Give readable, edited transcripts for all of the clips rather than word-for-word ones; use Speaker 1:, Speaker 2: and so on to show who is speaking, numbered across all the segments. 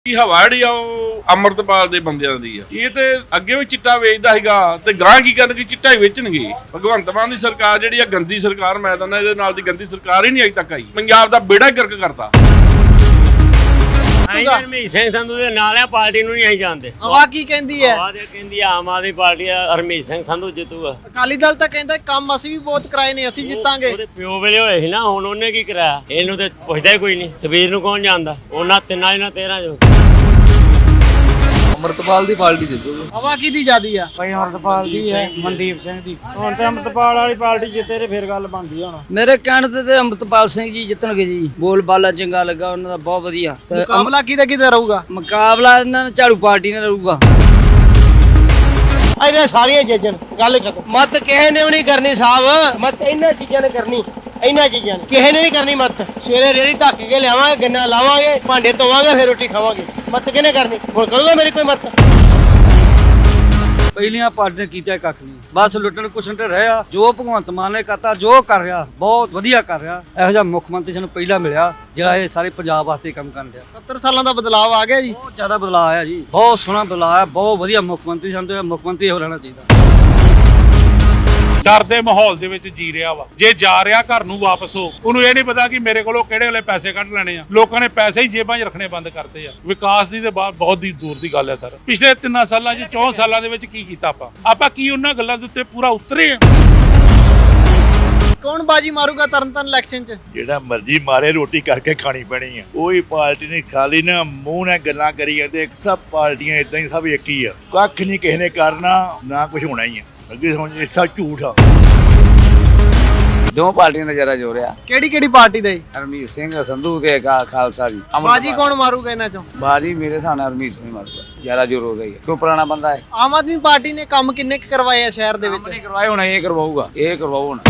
Speaker 1: ਕੀ ਹਵਾ ਜਿਹੜੀ ਆ ਉਹ ਅੰਮ੍ਰਿਤਪਾਲ ਦੇ ਬੰਦਿਆਂ ਦੀ ਆ। ਇਹ ਤੇ ਅੱਗੇ ਵੀ ਚਿੱਟਾ ਵੇਚਦਾ ਸੀਗਾ ਤੇ ਗਾਂ ਕੀ ਕਰਨਗੇ, ਚਿੱਟਾ ਹੀ ਵੇਚਣਗੇ। ਭਗਵੰਤ ਮਾਨ ਦੀ ਸਰਕਾਰ ਜਿਹੜੀ ਆ ਗੰਦੀ ਸਰਕਾਰ, ਮੈਂ ਤਾਂ ਇਹਦੇ ਨਾਲ ਦੀ ਗੰਦੀ ਸਰਕਾਰ ਹੀ ਨਹੀਂ ਅਜੇ ਤੱਕ ਆਈ। ਪੰਜਾਬ ਦਾ ਬੇੜਾ ਗਰਕ ਕਰਤਾ।
Speaker 2: ਹਰਮੀਤ ਸਿੰਘ ਸੰਧੂ ਦੇ ਨਾਲ ਆ, ਪਾਰਟੀ ਨੂੰ ਨਹੀਂ ਅਸੀਂ ਜਾਣਦੇ।
Speaker 3: ਹਵਾ ਕੀ ਕਹਿੰਦੀ ਹੈ?
Speaker 2: ਹਵਾ ਦੇ ਕਹਿੰਦੀ ਆਮ ਆਦਮੀ ਪਾਰਟੀ ਆ, ਹਰਮੀਤ ਸਿੰਘ ਸੰਧੂ ਜਿੱਤੂਗਾ।
Speaker 3: ਅਕਾਲੀ ਦਲ ਤਾਂ ਕਹਿੰਦਾ ਕੰਮ ਅਸੀਂ ਵੀ ਬਹੁਤ ਕਰਾਏ ਨੇ, ਅਸੀਂ ਜਿੱਤਾਂਗੇ।
Speaker 2: ਉਹਦੇ ਪਿਓ ਵੇਲੇ ਹੋਏ ਸੀ ਨਾ, ਹੁਣ ਉਹਨੇ ਕੀ ਕਰਾਇਆ? ਇਹਨੂੰ ਤੇ ਪੁੱਛਦਾ ਹੀ ਕੋਈ ਨਹੀਂ। ਸਬੀਰ ਨੂੰ ਕੌਣ ਜਾਣਦਾ? ਉਹਨਾਂ ਤਿੰਨਾਂ ਇਹਨਾਂ 13 ਚੋਂ
Speaker 4: ਅਮਰਤਪਾਲ ਦੀ ਪਾਰਟੀ ਜਿੱਤੂਗੀ।
Speaker 3: ਹਵਾ ਕਿਹਦੀ ਜ਼ਿਆਦੀ ਆ?
Speaker 5: ਭਾਈ ਅਮਰਤਪਾਲ ਦੀ ਹੈ, ਮਨਦੀਪ ਸਿੰਘ ਦੀ। ਹੁਣ ਤੇ ਅਮਰਤਪਾਲ ਵਾਲੀ ਪਾਰਟੀ ਜਿੱਤੇ ਤੇ ਫਿਰ ਗੱਲ ਬਣਦੀ ਹੁਣ।
Speaker 6: ਮੇਰੇ ਕਹਿਣ ਤੇ ਅਮਰਤਪਾਲ ਸਿੰਘ ਜੀ ਜਿੱਤਣਗੇ ਜੀ। ਬੋਲ ਬਾਲਾ ਚੰਗਾ ਲੱਗਾ ਉਹਨਾਂ ਦਾ, ਬਹੁਤ ਵਧੀਆ।
Speaker 3: ਮੁਕਾਬਲਾ ਕਿਹਦਾ ਰਹੂਗਾ?
Speaker 6: ਮੁਕਾਬਲਾ ਇਹਨਾਂ ਨਾਲ ਝਾੜੂ ਪਾਰਟੀ ਨਾਲ ਰਹੂਗਾ।
Speaker 7: ਇਹਦੇ ਸਾਰੀਆਂ ਚੀਜ਼ਾਂ ਗੱਲ ਖਤਮ। ਮਤ ਕਿਸੇ ਨੇ ਵੀ ਨਹੀਂ ਕਰਨੀ ਸਾਹਿਬ, ਮਤ ਇਹਨਾਂ ਚੀਜ਼ਾਂ ਨੇ ਕਰਨੀ। ਇਹਨਾਂ ਚੀਜ਼ਾਂ ਨੇ ਕਿਸੇ ਨੇ ਨਹੀਂ ਕਰਨੀ ਮਤ। ਸਵੇਰੇ ਰੇੜੀ ਧੱਕ ਕੇ ਲਿਆਵਾਂਗੇ, ਗੰਨਾ ਲਾਵਾਂਗੇ, ਭਾਂਡੇ ਧੋਵਾਂਗੇ, ਫਿਰ ਰੋਟੀ ਖਾਵਾਂਗੇ। ਮਤ ਕਿਹਨੇ ਕਰਨੀ? ਹੁਣ ਕਰੂਗਾ ਮੇਰੀ ਕੋਈ ਮਤ?
Speaker 5: ਪਹਿਲੀਆਂ ਪਾਰਟੀ ਨੇ ਕੀਤਾ ਕੱਖ ਨਹੀਂ, ਬਸ ਲੁੱਟਣ ਕੁਛਣ ਤੇ ਰਿਹਾ। ਜੋ ਭਗਵੰਤ ਮਾਨ ਨੇ ਕਰਤਾ, ਜੋ ਕਰ ਰਿਹਾ ਬਹੁਤ ਵਧੀਆ ਕਰ ਰਿਹਾ। ਇਹੋ ਜਿਹਾ ਮੁੱਖ ਮੰਤਰੀ ਸਾਨੂੰ ਪਹਿਲਾਂ ਮਿਲਿਆ ਜਿਹੜਾ ਇਹ ਸਾਰੇ ਪੰਜਾਬ ਵਾਸਤੇ ਕੰਮ ਕਰਨ ਰਿਹਾ।
Speaker 3: 70 ਸਾਲਾਂ ਦਾ ਬਦਲਾਅ ਆ ਗਿਆ ਜੀ।
Speaker 5: ਬਹੁਤ ਜ਼ਿਆਦਾ ਬਦਲਾਅ ਆਇਆ ਜੀ, ਬਹੁਤ ਸੋਹਣਾ ਬਦਲਾਅ ਆਇਆ। ਬਹੁਤ ਵਧੀਆ ਮੁੱਖ ਮੰਤਰੀ, ਸਾਨੂੰ ਤਾਂ ਮੁੱਖ ਮੰਤਰੀ ਹੋ ਰਹਿਣਾ ਚਾਹੀਦਾ।
Speaker 8: ਡਰ ਦੇ ਮਾਹੌਲ ਦੇ ਵਿੱਚ ਜੀ ਰਿਹਾ ਵਾ। ਜੇ ਜਾ ਰਿਹਾ ਘਰ ਨੂੰ ਵਾਪਸ ਹੋ, ਉਹਨੂੰ ਇਹ ਨਹੀਂ ਪਤਾ ਕਿ ਮੇਰੇ ਕੋਲੋਂ ਕਿਹੜੇ ਵੇਲੇ ਪੈਸੇ ਕੱਢ ਲੈਣੇ ਆ। ਲੋਕਾਂ ਨੇ ਪੈਸੇ ਹੀ ਜੇਬਾਂ 'ਚ ਰੱਖਣੇ ਬੰਦ ਕਰਤੇ ਆ। ਵਿਕਾਸ ਦੀ ਤੇ ਬਹੁਤ ਦੀ ਦੂਰ ਦੀ ਗੱਲ ਹੈ ਸਰ। ਪਿਛਲੇ 3 ਸਾਲਾਂ 'ਚ 4 ਸਾਲਾਂ ਦੇ ਵਿੱਚ ਕੀ ਕੀਤਾ ਆਪਾਂ ਕੀ ਉਹਨਾਂ ਗੱਲਾਂ ਦੇ ਉੱਤੇ ਪੂਰਾ ਉਤਰੇ ਆ?
Speaker 3: ਕੌਣ ਬਾਜੀ ਮਾਰੂਗਾ ਤਰਨਤਾਰਨ ਇਲੈਕਸ਼ਨ 'ਚ?
Speaker 9: ਜਿਹੜਾ ਮਰਜ਼ੀ ਮਾਰੇ, ਰੋਟੀ ਕਰਕੇ ਖਾਣੀ ਪੈਣੀ ਆ। ਕੋਈ ਪਾਰਟੀ ਨਹੀਂ ਖਾਲੀ ਨਾ ਮੂੰਹ ਨਾਲ ਗੱਲਾਂ ਕਰੀ ਜਾਂਦੇ। ਸਭ ਪਾਰਟੀਆਂ ਇਦਾਂ ਹੀ, ਸਭ ਇੱਕ ਹੀ ਆ। ਕੱਖ ਨਹੀਂ ਕਿਸੇ ਨੇ ਕਰਨਾ, ਨਾ ਕੁਝ ਹੋਣਾ ਹੀ ਆ। ਅੱਗੇ ਸਮਝ ਇਹ ਸਭ ਝੂਠ ਆ।
Speaker 6: ਦੋ ਪਾਰਟੀਆਂ ਦਾ ਜਰਾ ਜੋਰ ਆ।
Speaker 3: ਕਿਹੜੀ ਪਾਰਟੀ ਦਾ ਜੀ?
Speaker 6: ਹਰਮੀਤ ਸਿੰਘ ਸੰਧੂ ਤੇ ਖਾਲਸਾ ਜੀ।
Speaker 3: ਬਾਜੀ ਕੌਣ ਮਾਰੂਗਾ ਇਹਨਾਂ 'ਚੋਂ?
Speaker 6: ਬਾਜੀ ਮੇਰੇ ਸਾਹਮਣੇ ਹਰਮੀਤ ਸਿੰਘ ਮਾਰੂਗਾ। ਜਰਾ ਜੋਰ ਹੋ ਰਹੀ ਹੈ, ਕਿਉਂ ਪੁਰਾਣਾ ਬੰਦਾ ਹੈ।
Speaker 3: ਆਮ ਆਦਮੀ ਪਾਰਟੀ ਨੇ ਕੰਮ ਕਿੰਨੇ ਕੁ ਕਰਵਾਏ ਆ ਸ਼ਹਿਰ ਦੇ ਵਿੱਚ?
Speaker 6: ਨਹੀਂ ਕਰਵਾਏ ਹੋਣਾ, ਇਹ ਕਰਵਾਊਗਾ, ਇਹ ਕਰਵਾਊ ਹੁਣ।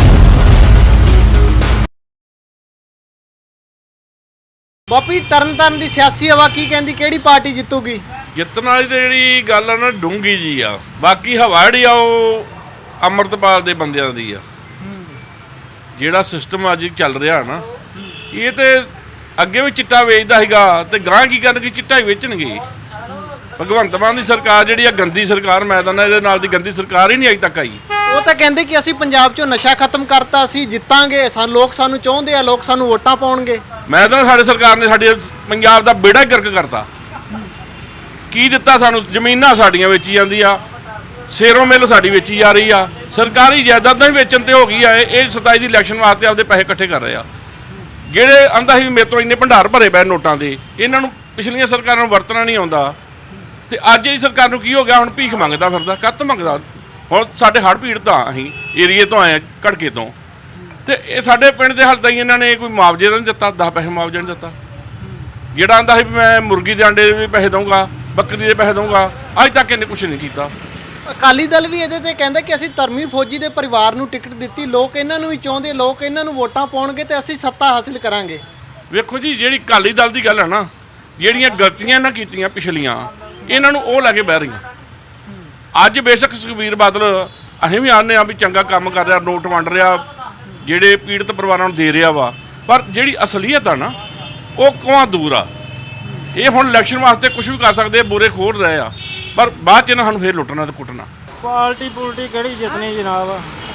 Speaker 3: ਬਾਪੀ ਤਰਨਤਾਰਨ ਦੀ ਸਿਆਸੀ ਹਵਾ ਕੀ ਕਹਿੰਦੀ, ਕਿਹੜੀ ਪਾਰਟੀ ਜਿੱਤੂਗੀ?
Speaker 1: ਜਿੱਤਣ ਵਾਲੀ ਤੇ ਜਿਹੜੀ ਗੱਲ ਆ ਨਾ ਡੂੰਗੀ ਜੀ ਆ। ਬਾਕੀ ਹਵਾ ਜਿਹੜੀ ਆ ਉਹ ਅੰਮ੍ਰਿਤਪਾਲ ਦੇ ਬੰਦਿਆਂ ਦੀ ਆ। ਜਿਹੜਾ ਸਿਸਟਮ ਅੱਜ ਚੱਲ ਰਿਹਾ ਨਾ, ਇਹ ਤੇ ਅੱਗੇ ਵੀ ਚਿੱਟਾ ਵੇਚਦਾ ਸੀਗਾ ਤੇ ਗਾਂ ਕੀ ਕਰਨਗੇ, ਚਿੱਟਾ ਹੀ ਵੇਚਣਗੇ। ਭਗਵੰਤ ਮਾਨ ਦੀ ਸਰਕਾਰ ਜਿਹੜੀ ਆ ਗੰਦੀ ਸਰਕਾਰ, ਮੈਂ ਤਾਂ ਇਹਦੇ ਨਾਲ ਦੀ ਗੰਦੀ ਸਰਕਾਰ ਹੀ ਨਹੀਂ ਅਜੇ ਤੱਕ ਆਈ।
Speaker 3: ਉਹ ਤਾਂ ਕਹਿੰਦੇ ਕਿ ਅਸੀਂ ਪੰਜਾਬ 'ਚੋਂ ਨਸ਼ਾ ਖਤਮ ਕਰਤਾ, ਅਸੀਂ ਜਿੱਤਾਂਗੇ, ਲੋਕ ਸਾਨੂੰ ਚਾਹੁੰਦੇ ਆ, ਲੋਕ ਸਾਨੂੰ ਵੋਟਾਂ ਪਾਉਣਗੇ।
Speaker 1: ਮੈਂ ਤਾਂ ਸਾਡੇ ਸਰਕਾਰ ਨੇ ਸਾਡੇ ਪੰਜਾਬ ਦਾ ਬੇੜਾ ਗਰਕ ਕਰਤਾ। ਕੀ ਦਿੱਤਾ ਸਾਨੂੰ? ਜ਼ਮੀਨਾਂ ਸਾਡੀਆਂ ਵੇਚੀ ਜਾਂਦੀ ਆ, ਸੇਰੋਂ ਮਿੱਲ ਸਾਡੀ ਵੇਚੀ ਜਾ ਰਹੀ ਆ, ਸਰਕਾਰੀ ਜਾਇਦਾਦਾਂ ਵੀ ਵੇਚਣ ਤੇ ਹੋ ਗਈ ਆ। ਇਹ 27 ਦੀ ਇਲੈਕਸ਼ਨ ਵਾਸਤੇ ਆਪਦੇ ਪੈਸੇ ਇਕੱਠੇ ਕਰ ਰਹੇ ਆ। ਜਿਹੜੇ ਆਂਦਾ ਸੀ ਮੇਰੇ ਤੋਂ ਇੰਨੇ ਭੰਡਾਰ ਭਰੇ ਪਏ ਨੋਟਾਂ ਦੇ, ਇਹਨਾਂ ਨੂੰ ਪਿਛਲੀਆਂ ਸਰਕਾਰਾਂ ਨੂੰ ਵਰਤਣਾ ਨਹੀਂ ਆਉਂਦਾ। ਤੇ ਅੱਜ ਇਹ ਸਰਕਾਰ ਨੂੰ ਕੀ ਹੋ ਗਿਆ? ਹੁਣ ਭੀਖ ਮੰਗਦਾ ਫਿਰਦਾ। ਕੱਤ ਮੰਗਦਾ? ਹੁਣ ਸਾਡੇ ਹੜ੍ਹ ਪੀੜਤ ਆ, ਅਸੀਂ ਏਰੀਏ ਤੋਂ ਆਏ ਘੜਕੇ ਤੋਂ, ਤੇ ਇਹ ਸਾਡੇ ਪਿੰਡ ਦੇ ਹਾਲ ਤਾਈਂ ਇਹਨਾਂ ਨੇ ਕੋਈ ਮੁਆਵਜ਼ੇ ਨਹੀਂ ਦਿੱਤਾ, 10 ਪੈਸੇ ਮੁਆਵਜ਼ਾ ਨਹੀਂ ਦਿੱਤਾ। ਜਿਹੜਾ ਆਂਦਾ ਸੀ ਮੈਂ ਮੁਰਗੀ ਦੇ ਅੰਡੇ ਦੇ ਵੀ ਪੈਸੇ ਦਊਂਗਾ, ਬੱਕਰੀ ਦੇ ਪੈਸੇ ਦਊਂਗਾ, ਅੱਜ ਤੱਕ ਇਹਨੇ ਕੁਛ ਨਹੀਂ ਕੀਤਾ।
Speaker 3: ਅਕਾਲੀ ਦਲ ਵੀ ਇਹਦੇ ਤੇ ਕਹਿੰਦਾ ਕਿ ਅਸੀਂ ਧਰਮੀ ਫੌਜੀ ਦੇ ਪਰਿਵਾਰ ਨੂੰ ਟਿਕਟ ਦਿੱਤੀ, ਲੋਕ ਇਹਨਾਂ ਨੂੰ ਵੀ ਚਾਹੁੰਦੇ, ਲੋਕ ਇਹਨਾਂ ਨੂੰ ਵੋਟਾਂ ਪਾਉਣਗੇ ਤੇ ਅਸੀਂ ਸੱਤਾ ਹਾਸਿਲ ਕਰਾਂਗੇ।
Speaker 1: ਵੇਖੋ ਜੀ, ਜਿਹੜੀ ਅਕਾਲੀ ਦਲ ਦੀ ਗੱਲ ਹੈ ਨਾ, ਜਿਹੜੀਆਂ ਗਲਤੀਆਂ ਇਹਨਾਂ ਕੀਤੀਆਂ ਪਿਛਲੀਆਂ, ਇਹਨਾਂ ਨੂੰ ਉਹ ਲੈ ਕੇ ਬਹਿ ਰਹੀਆਂ। ਅੱਜ ਬੇਸ਼ੱਕ ਸੁਖਬੀਰ ਬਾਦਲ ਅਸੀਂ ਵੀ ਆਉਂਦੇ ਹਾਂ ਵੀ ਚੰਗਾ ਕੰਮ ਕਰ ਰਿਹਾ, ਨੋਟ ਵੰਡ ਰਿਹਾ, ਜਿਹੜੇ ਪੀੜਤ ਪਰਿਵਾਰਾਂ ਨੂੰ ਦੇ ਰਿਹਾ ਵਾ, ਪਰ ਜਿਹੜੀ ਅਸਲੀਅਤ ਆ ਨਾ ਉਹ ਕੋਹਾਂ ਦੂਰ ਆ। ਇਹ ਹੁਣ ਇਲੈਕਸ਼ਨ ਵਾਸਤੇ ਕੁਝ ਵੀ ਕਰ ਸਕਦੇ, ਬੋਰੇ ਖੋਲ ਰਹੇ ਆ, ਪਰ ਬਾਅਦ 'ਚ ਇਹਨਾਂ ਸਾਨੂੰ ਫੇਰ ਲੁੱਟਣਾ ਤੇ ਕੁੱਟਣਾ।
Speaker 5: ਪਾਰਟੀ ਕਿਹੜੀ ਜਿੱਤਣੀ ਜਨਾਬ?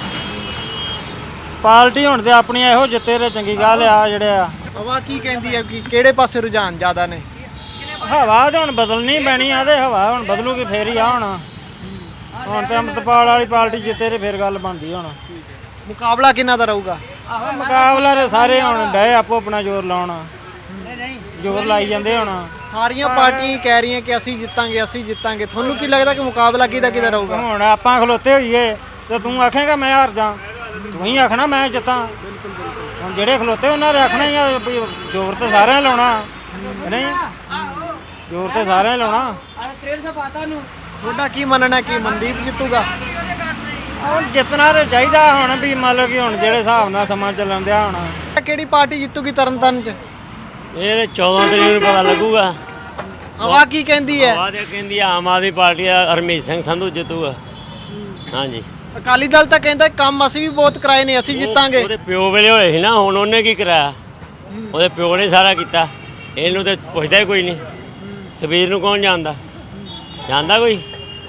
Speaker 5: ਪਾਰਟੀ ਹੁਣ ਤੇ ਆਪਣੀਆਂ ਇਹੋ ਜਿੱਤੇ ਤੇ ਚੰਗੀ ਗੱਲ ਆ। ਜਿਹੜੇ ਆ
Speaker 3: ਹਵਾ ਕੀ ਕਹਿੰਦੀ ਹੈ ਕਿ ਕਿਹੜੇ ਪਾਸੇ ਰੁਝਾਨ ਜ਼ਿਆਦਾ ਨੇ?
Speaker 5: ਹਵਾ ਤਾਂ ਹੁਣ ਬਦਲਣੀ ਪੈਣੀ ਆ, ਤੇ ਹਵਾ ਹੁਣ ਬਦਲੂਗੀ ਫੇਰ ਹੀ ਆ। ਹੁਣ ਤੇ ਅਮਰਤਪਾਲ ਵਾਲੀ ਪਾਰਟੀ ਜਿੱਤੇ ਤੇ ਫਿਰ ਗੱਲ ਬਣਦੀ ਹੁਣ।
Speaker 3: ਮੁਕਾਬਲਾ ਕਿਹਨਾਂ ਦਾ ਰਹੂਗਾ?
Speaker 5: ਮੁਕਾਬਲਾ ਤੇ ਸਾਰੇ ਹੁਣ ਡਏ ਆਪੋ ਆਪਣਾ ਜ਼ੋਰ ਲਾਉਣ, ਜ਼ੋਰ ਲਾਈ ਜਾਂਦੇ ਹੁਣ।
Speaker 3: ਸਾਰੀਆਂ ਪਾਰਟੀਆਂ ਕਹਿ ਰਹੀਆਂ ਕਿ ਅਸੀਂ ਜਿੱਤਾਂਗੇ, ਅਸੀਂ ਜਿੱਤਾਂਗੇ। ਤੁਹਾਨੂੰ ਕੀ ਲੱਗਦਾ ਕਿ ਮੁਕਾਬਲਾ ਕਿਹਦਾ ਰਹੂਗਾ?
Speaker 5: ਹੁਣ ਆਪਾਂ ਖਲੋਤੇ ਹੋਈਏ ਤੇ ਤੂੰ ਆਖੇਗਾ ਮੈਂ ਹਾਰ ਜਾ, ਤੂੰ ਹੀ ਆਖਣਾ ਮੈਂ ਜਿੱਤਾਂ। ਹੁਣ ਜਿਹੜੇ ਖਲੋਤੇ ਉਹਨਾਂ ਦੇ ਆਖਣਾ ਹੀ ਆ ਵੀ ਜ਼ੋਰ ਤੇ ਸਾਰਿਆਂ ਲਾਉਣਾ, ਨਹੀਂ ਜ਼ੋਰ ਤੇ ਸਾਰਿਆਂ ਲਾਉਣਾ।
Speaker 3: ਤੁਹਾਡਾ ਕੀ ਮੰਨਣਾ ਕਿ ਮਨਦੀਪ ਜਿੱਤੂਗਾ?
Speaker 5: ਹੁਣ ਜਿੱਤਣਾ ਤਾਂ ਚਾਹੀਦਾ ਹੁਣ, ਵੀ ਮੰਨ ਲਓ ਕਿ ਹੁਣ ਜਿਹੜੇ ਹਿਸਾਬ ਨਾਲ ਸਮਾਂ ਚੱਲਣ ਦਿਆ ਹੁਣ।
Speaker 3: ਕਿਹੜੀ ਪਾਰਟੀ ਜਿੱਤੂਗੀ ਤਰਨਤਾਰਨ 'ਚ?
Speaker 2: ਇਹ 14 ਤਰੀਕ ਨੂੰ ਪਤਾ ਲੱਗੂਗਾ।
Speaker 3: ਹਵਾ ਕੀ ਕਹਿੰਦੀ ਹੈ?
Speaker 2: ਹਵਾ ਦੇ ਕਹਿੰਦੀ ਆਮ ਆਦਮੀ ਪਾਰਟੀ ਆ, ਹਰਮੀਤ ਸਿੰਘ ਸੰਧੂ ਜਿੱਤੂਗਾ। ਹਾਂਜੀ।
Speaker 3: ਅਕਾਲੀ ਦਲ ਤਾਂ ਕਹਿੰਦਾ ਕੰਮ ਅਸੀਂ ਵੀ ਬਹੁਤ ਕਰਾਏ ਨੇ, ਅਸੀਂ ਜਿੱਤਾਂਗੇ।
Speaker 2: ਉਹਦੇ ਪਿਓ ਵੇਲੇ ਹੋਏ ਸੀ ਨਾ, ਹੁਣ ਉਹਨੇ ਕੀ ਕਰਾਇਆ? ਉਹਦੇ ਪਿਓ ਨੇ ਸਾਰਾ ਕੀਤਾ, ਇਹਨੂੰ ਤੇ ਪੁੱਛਦਾ ਹੀ ਕੋਈ ਨਹੀਂ। ਸਵੇਰ ਨੂੰ ਕੌਣ ਜਾਣਦਾ ਜਾਂਦਾ ਕੋਈ